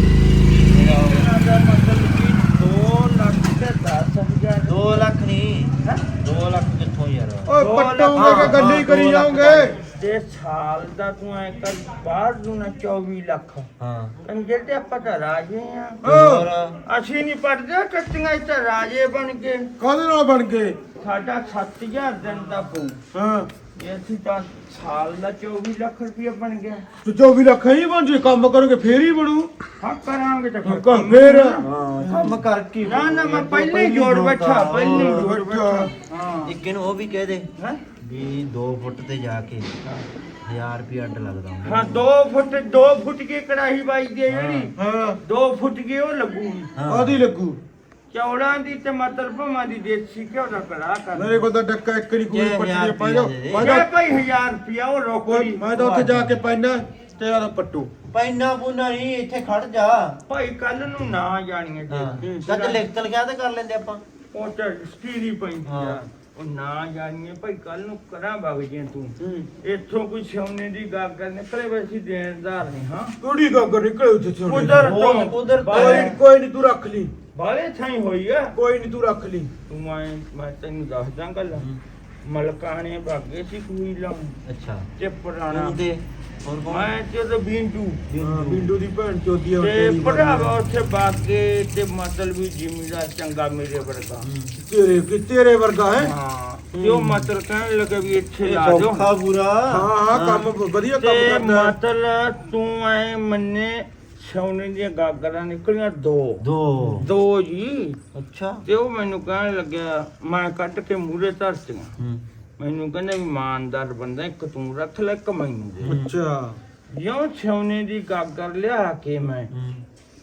ਦਿਨਾਂ ਦਾ ਮਤਲਬ ਵੀ ਦੋ ਲੱਖ ਤੇ ਦਸ ਹਜ਼ਾਰ ਦੋ ਲੱਖ ਨਹੀਂ ਹੈਂ? ਦੋ ਲੱਖ ਕਿੱਥੋਂ ਯਾਰ ਓਏ ਦੋ ਪੱਟੋਗੇ ਲੱਖ- ਕਿ ਗੱਲ ਹੀ ਕਰੀ ਦੋ ਲੱਖ ਜਾਓਗੇ? ਤੇ ਸਾਲ ਦਾ ਤੂੰ ਐ ਕਰ ਬਾਹਰ ਨੂੰ ਨਾ ਚੌਵੀ ਲੱਖ ਹਾਂ ਕੰਜਰ ਤੇ ਆਪਾਂ ਤਾਂ ਰਾਜੇ ਆ ਹੋਰ ਅਸੀਂ ਨਹੀਂ ਪੜਦੇ ਕੱਟੀਆਂ ਇੱਥੇ ਰਾਜੇ ਬਣ ਕੇ ਕਾਹਦੇ ਨਾਲ ਬਣ ਗਏ? ਸਾਡਾ ਸੱਤ ਹਜ਼ਾਰ ਦਿਨ ਦਾ ਪਊ ਹਾਂ ਇਹ ਅਸੀਂ ਤਾਂ ਸਾਲ ਦਾ ਚੌਵੀ ਲੱਖ ਰੁਪਇਆ ਬਣ ਗਿਆ ਤੇ ਚੌਵੀ ਲੱਖ ਹੀ ਬਣ ਜੇ ਕੰਮ ਕਰੋਗੇ ਫੇਰ ਹੀ ਬਣੂ। ਹਾਂ ਕਰਾਂਗੇ ਤਾਂ ਫਿਰ ਕੰਮ ਫੇਰ ਹਾਂ ਕੰਮ ਕਰਕੇ ਨਾ ਨਾ ਮੈਂ ਪਹਿਲੇ ਹੀ ਜੋੜ ਬੈਠਾ ਪਹਿਲੇ ਹੀ ਜੋੜ ਬੈਠਾ ਹਾਂ ਇੱਕ ਇਹਨੂੰ ਉਹ ਵੀ ਕਹਿ ਦੇ ਹੈਂ? ਵੀ ਦੋ ਫੁੱਟ ਤੇ ਜਾ ਕੇ ਹਜ਼ਾਰ ਰੁਪਏ ਅੱਡ ਲੱਗਦਾ ਹੁੰਦਾ। ਹਾਂ ਦੋ ਫੁੱਟ ਦੋ ਫੁੱਟ ਕੀ ਕੜਾਹੀ ਬਾਈ ਦੀ ਹੈ ਜਿਹੜੀ ਹਾਂ ਦੋ ਫੁੱਟ ਕੀ ਉਹ ਲੱਗੂਗੀ ਹਾਂ। ਆਦੀ ਲੱਗੂ। ਚੌੜਾਂ ਦੀ ਤੇ ਮਤਲਬ ਭਵਾਂ ਦੀ ਦੇਸੀ ਘਿਓ ਦਾ ਕੜਾ ਕਰ ਮੇਰੇ ਕੋਲ ਤਾਂ ਡੱਕਾ ਇੱਕ ਨਹੀਂ ਕੋਈ ਜੇ ਪੱਟੀ ਹਜ਼ਾਰ ਪਾ ਜਾ ਰੁਪਈਆ ਦੇ ਦੇ। ਮੈਂ ਮੈਂ ਤਾਂ ਭਾਈ ਹਜ਼ਾਰ ਰੁਪਇਆ ਉਹ ਰੋਕੜੀ ਮੈਂ ਤਾਂ ਉੱਥੇ ਜਾ ਕੇ ਪੈਣਾ ਤੇ ਆਦਾ ਪੱਟੂ। ਪੈਨਾ ਪੂਨਾ ਨਹੀਂ ਇੱਥੇ ਖੜ ਜਾ ਭਾਈ ਕੱਲ ਨੂੰ ਨਾ ਜਾਣੀਏ ਹਾਂ ਤੇ ਜਦ ਲਿਖਤ ਲਿਖਿਆ ਤਾਂ ਕਰ ਲੈਂਦੇ ਆਪਾਂ ਉਹ ਤੇ ਸਟੀਰੀ ਪੈਂਦੀ ਆ ਹਾਂ। ਉਹ ਨਾ ਜਾਣੀਏ ਭਾਈ ਕੱਲ ਨੂੰ ਕਰਾਂ ਵਗ ਜੇ ਤੂੰ ਹੂੰ ਇੱਥੋਂ ਕੋਈ ਸੋਨੇ ਦੀ ਗਾਗਰ ਨਿਕਲੇ ਵੈਸੀ ਦੇਣਦਾਰ ਨਹੀਂ ਹਾਂ ਕਿਹੜੀ ਗਾਗਰ ਨਿਕਲੇ ਉੱਥੇ ਸੋਨੇ ਦੀ? ਉਧਰ ਹੋਰ, ਤੋਂ ਉਧਰ ਕੋਈ ਬਾਲੇ ਨੀ, ਕੋਈ ਨਹੀਂ ਤੂੰ ਰੱਖ ਲਈ ਬਾਲੇ ਥਾਈ ਹੋਈ ਆ ਕੋਈ ਨਹੀਂ ਤੂੰ ਰੱਖ ਲਈ। ਤੂੰ ਮੈਂ ਮੈਂ ਤੈਨੂੰ ਦੱਸਦਾ ਗੱਲ ਮਲਕਾਣੇ ਭਾਗੇ ਸੀ ਕੋਈ ਲਾਂ ਅੱਛਾ ਤੇ ਪੁਰਾਣਾ ਤੂੰ ਤੇ ਹੋਰ ਕੌਣ ਮੈਂ ਤੇ ਤਾਂ ਬਿੰਦੂ ਹਾਂ ਬਿੰਦੂ ਦੀ ਭੈਣ ਚੋਦੀ ਆ ਤੇ ਭਰਾਵਾ ਉੱਥੇ ਬਾਗੇ ਤੇ ਮਤਲਬ ਵੀ ਜ਼ਿਮੀਦਾਰ ਚੰਗਾ ਮੇਰੇ ਵਰਗਾ ਤੇਰੇ ਕਿ ਤੇਰੇ ਵਰਗਾ ਹੈ ਹਾਂ ਤੇ ਉਹ ਮਤਲਬ ਕਹਿਣ ਲੱਗਾ ਵੀ ਇੱਥੇ ਲਾ ਦਿਓ ਸੌਖਾ ਪੂਰਾ ਹਾਂ ਹਾਂ ਕੰਮ ਵਧੀਆ ਕੰਮ ਤੇ ਕਰਦਾ ਹੈ। ਮਤਲਬ ਤੂੰ ਐ ਮੰਨੇ ਸੋਨੇ ਦੀਆਂ ਗਾਗਰਾਂ ਨਿਕਲੀਆਂ ਦੋ ਦੋ ਦੋ ਜੀ ਅੱਛਾ ਤੇ ਉਹ ਮੈਨੂੰ ਕਹਿਣ ਲੱਗਿਆ ਮੈਂ ਕੱਢ ਕੇ ਮੂਹਰੇ ਧਰਤੀਆਂ ਹੂੰ ਮੈਨੂੰ ਕਹਿੰਦਾ ਵੀ ਇਮਾਨਦਾਰ ਬੰਦਾ ਇੱਕ ਤੂੰ ਰੱਖ ਲੈ ਇੱਕ ਮੈਨੂੰ ਦੇ ਅੱਛਾ ਜਿਉਂ ਸੋਨੇ ਦੀ ਗਾਗਰ ਲਿਆ ਕੇ ਮੈਂ ਹੂੰ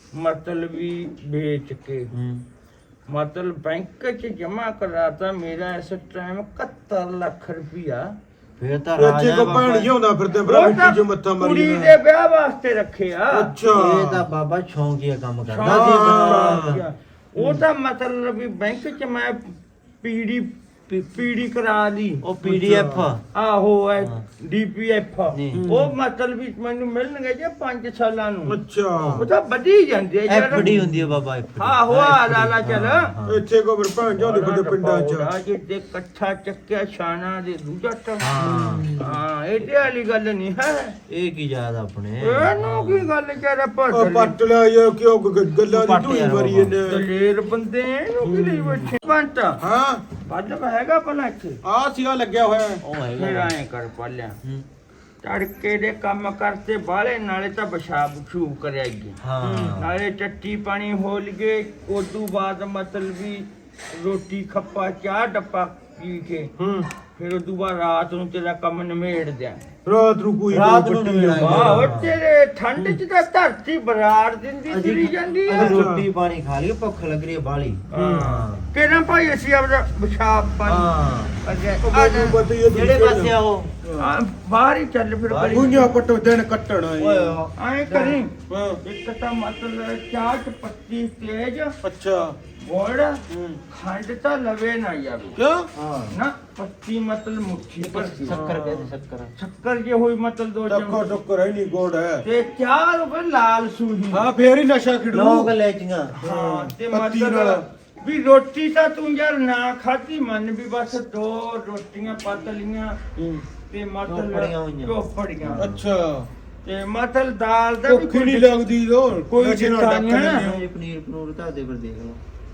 ਮਤਲਬ ਵੀ ਵੇਚ ਕੇ ਹੂੰ ਮਤਲਬ ਬੈਂਕ 'ਚ ਜਮਾ ਕਰਾਤਾ ਮੇਰਾ ਇਸ ਟਾਈਮ ਇਕਹੱਤਰ ਲੱਖ ਰੁਪਇਆ ਫੇਰ ਤਾਂ ਇੱਥੇ ਰਾਜਾ ਕੋ ਬਾਬਾ ਭੈਣ ਜਿਉਂਦਾ ਫਿਰਦੇ ਭਰਾ ਉਹ ਤਾਂ ਮਿੱਟੀ 'ਚ ਮੱਥਾ ਮਾਰੀ ਕੁੜੀ ਜਾਂਦਾ। ਦੇ ਵਿਆਹ ਵਾਸਤੇ ਰੱਖਿਆ ਅੱਛਾ ਇਹ ਤਾਂ ਬਾਬਾ ਸ਼ੌਂਕੀਆ ਕੰਮ ਕਰਦਾ ਸ਼ੌਂਕ ਸੀ ਹਾਂ। ਆਪਣਾ। ਉਹ ਤਾਂ ਮਤਲਬ ਵੀ ਬੈਂਕ 'ਚ ਮੈਂ ਪੀੜੀ ਪੀੜੀ ਕਰਾ ਲਈ ਉਹ ਪੀਡੀਐਫ ਆਹੋ ਐ ਹਾਂ। ਡੀਪੀਐਫ ਨਹੀਂ। ਉਹ ਮਤਲਬ ਵੀ ਮੈਨੂੰ ਮਿਲਣਗੇ ਜੇ ਪੰਜ ਸਾਲਾਂ ਨੂੰ ਅੱਛਾ ਉਹ ਤਾਂ ਵਧੀ ਜਾਂਦੇ ਆ ਯਾਰ ਐਫਡੀ ਹੁੰਦੀ ਹੈ ਬਾਬਾ ਐਫਡੀ ਆਹੋ ਆ ਲਾ ਲਾ ਚੱਲ ਇੱਥੇ ਕੋ ਫਿਰ ਭੈਣ ਜਿਉਂਦੇ ਫਿਰਦੇ ਪਿੰਡਾਂ 'ਚ ਆ ਜੇ ਤੇ ਕੱਠਾ ਚੱਕਿਆ ਛਾਣਾ ਦੇ ਦੂਜਾ ਟੰ ਹਾਂ ਹਾਂ ਇਹਦੇ ਵਾਲੀ ਗੱਲ ਨਹੀਂ ਹੈ ਇਹ ਕੀ ਯਾਦ ਆਪਣੇ ਇਹਨੂੰ ਕੀ ਗੱਲ ਕਰ ਉਹ ਪੜ ਪੱਟ ਲਿਆ ਇਹ ਕਿਉਂ ਗ- ਗ- ਗੱਲਾਂ ਦੀ ਪੱਟ ਢੂਈ ਯਾਰ ਮਰੀ ਬਾਬਾ। ਇਹਨੇ ਦਲੇਰ ਬੰਦੇ ਇਹਨੂੰ ਕੀ ਲਈ ਬੈਠੇ ਪੰਟ ਹਾਂ ਪੱਲ ਹੈਗਾ ਭਲਾ ਇੱਥੇ ਆ ਸੀਗਾ ਲੱਗਿਆ ਹੋਇਆ ਹੈ। ਉਹ ਫਿਰ ਹੈਗਾ ਐਂ ਕਰ ਪਾਲਿਆ ਹੂੰ। ਤੜਕੇ ਦੇ ਕੰਮ ਕਰਤੇ ਬਾਲੇ ਨਾਲੇ ਤਾਂ ਪਿਸ਼ਾਬ ਛੂਬ ਕਰਿਆਗੀ ਹਾਂ ਨਾਲੇ ਚੱਟੀ ਪਾਣੀ ਹੋ ਲਗੇ ਉਦੋਂ ਬਾਅਦ ਮਤਲਬ ਵੀ ਰੋਟੀ ਖੱਪਾ ਚਾਹ ਡੱਪਾ ਪੀ ਕੇ ਹੂੰ ਫਿਰ ਉਦੋਂ ਬਾਅਦ ਰਾਤ ਨੂੰ ਤੇਰਾ ਕੰਮ ਨਿਮੇੜ ਦਿਆਂ ਰਾਤ ਨੂੰ ਕੋਈ ਰਾਤ ਨੂੰ ਪੱਟੀ ਨਿਬੇੜਾ ਜਾਂਦਾ। ਵਾਹ ਉਹ ਤੇਰੇ ਠੰਡ ਚ ਤਾਂ ਧਰਤੀ ਬਰਾੜ ਦਿੰਦੀ ਤੁਰੀ ਜਾਂਦੀ ਆ ਅਸੀਂ ਰੋਟੀ ਪਾਣੀ ਖਾ ਲਈ ਭੁੱਖ ਲੱਗ ਰਹੀ ਹੈ ਬਾਲੀ ਹਾਂ ਕਿਹਨਾਂ ਭਾਈ ਅਸੀਂ ਆਪਦਾ ਪਿਸ਼ਾਬ ਪਾਣੀ ਹਾਂ ਅੱਗੇ ਉਹ ਆ ਮੈਨੂੰ ਪਤਾ ਹੀ ਹੈ ਤੁਸੀਂ ਜਿਹੜੇ ਕਿਹੜੇ ਪਾਸੇ ਆ ਉਹ ਆ, ਬਾਹਰ ਹੀ ਚੱਲ ਫਿਰ ਬਾਹਰ ਹੀ। ਗਲੀ ਗੁੰਝਾ ਪੱਟੋ ਦਿਨ ਕੱਟਣਾ ਓਏ ਹੈ ਐਂ ਕਰੀ ਹਾਂ ਇੱਕ ਤਾਂ ਮਤਲਬ ਚਾਹ ਚ ਪੱਤੀ ਤੇਜ ਅੱਛਾ ਗੋੜ ਹੂੰ ਖੰਡ ਤਾਂ ਲਵੇ ਨਾ ਜਾਵੇ ਕਿਉਂ ਹਾਂ ਨਾ ਪੱਤੀ ਮਤਲਬ ਮੁੱਠੀ ਪਰ ਸ਼ੱਕਰ ਕਹਿੰਦੇ ਸ਼ੱਕਰ ਸ਼ੱਕਰ ਜੇ ਹੋਈ ਮਤਲਬ ਦੋ ਟੱਕਰ ਚਮਚ ਟੱਕਰ ਹੈ ਨਹੀਂ ਗੋੜ ਹੈ ਤੇ ਚਾਹ ਰੁਪਏ ਲਾਲ ਸੂਹੀ ਹਾਂ ਫੇਰ ਹੀ ਨਸ਼ਾ ਖਿੜੂ ਲੋਕ ਲੈਚੀਆਂ ਹਾਂ ਤੇ ਪੱਤੀ ਮਤਲਬ ਨਾਲ। ਵੀ ਰੋਟੀ ਤਾਂ ਤੂੰ ਯਾਰ ਨਾ ਖਾਧੀ ਮਨ ਵੀ ਬਸ ਦੋ ਰੋਟੀਆਂ ਪੱਤ ਲੀਆਂ ਹੂੰ। ਤੇ ਚੋਪੜੀਆਂ ਮਤਲਬ ਹੋਈਆਂ। ਚੋਪੜੀਆਂ ਅੱਛਾ ਤੇ ਮਤਲਬ ਦਾਲ ਦਾ ਵੀ ਭੁੱਖ ਹੀ ਕੋਈ ਨਹੀਂ ਲੱਗਦੀ ਲੋ ਕੋਈ ਚਿੰਤਾ ਨਹੀਂ ਹੈ। ਇਹ ਪਨੀਰ ਪਨੂਰ ਤਾਂ ਦੇ ਫਿਰ ਦੇਖ ਲਓ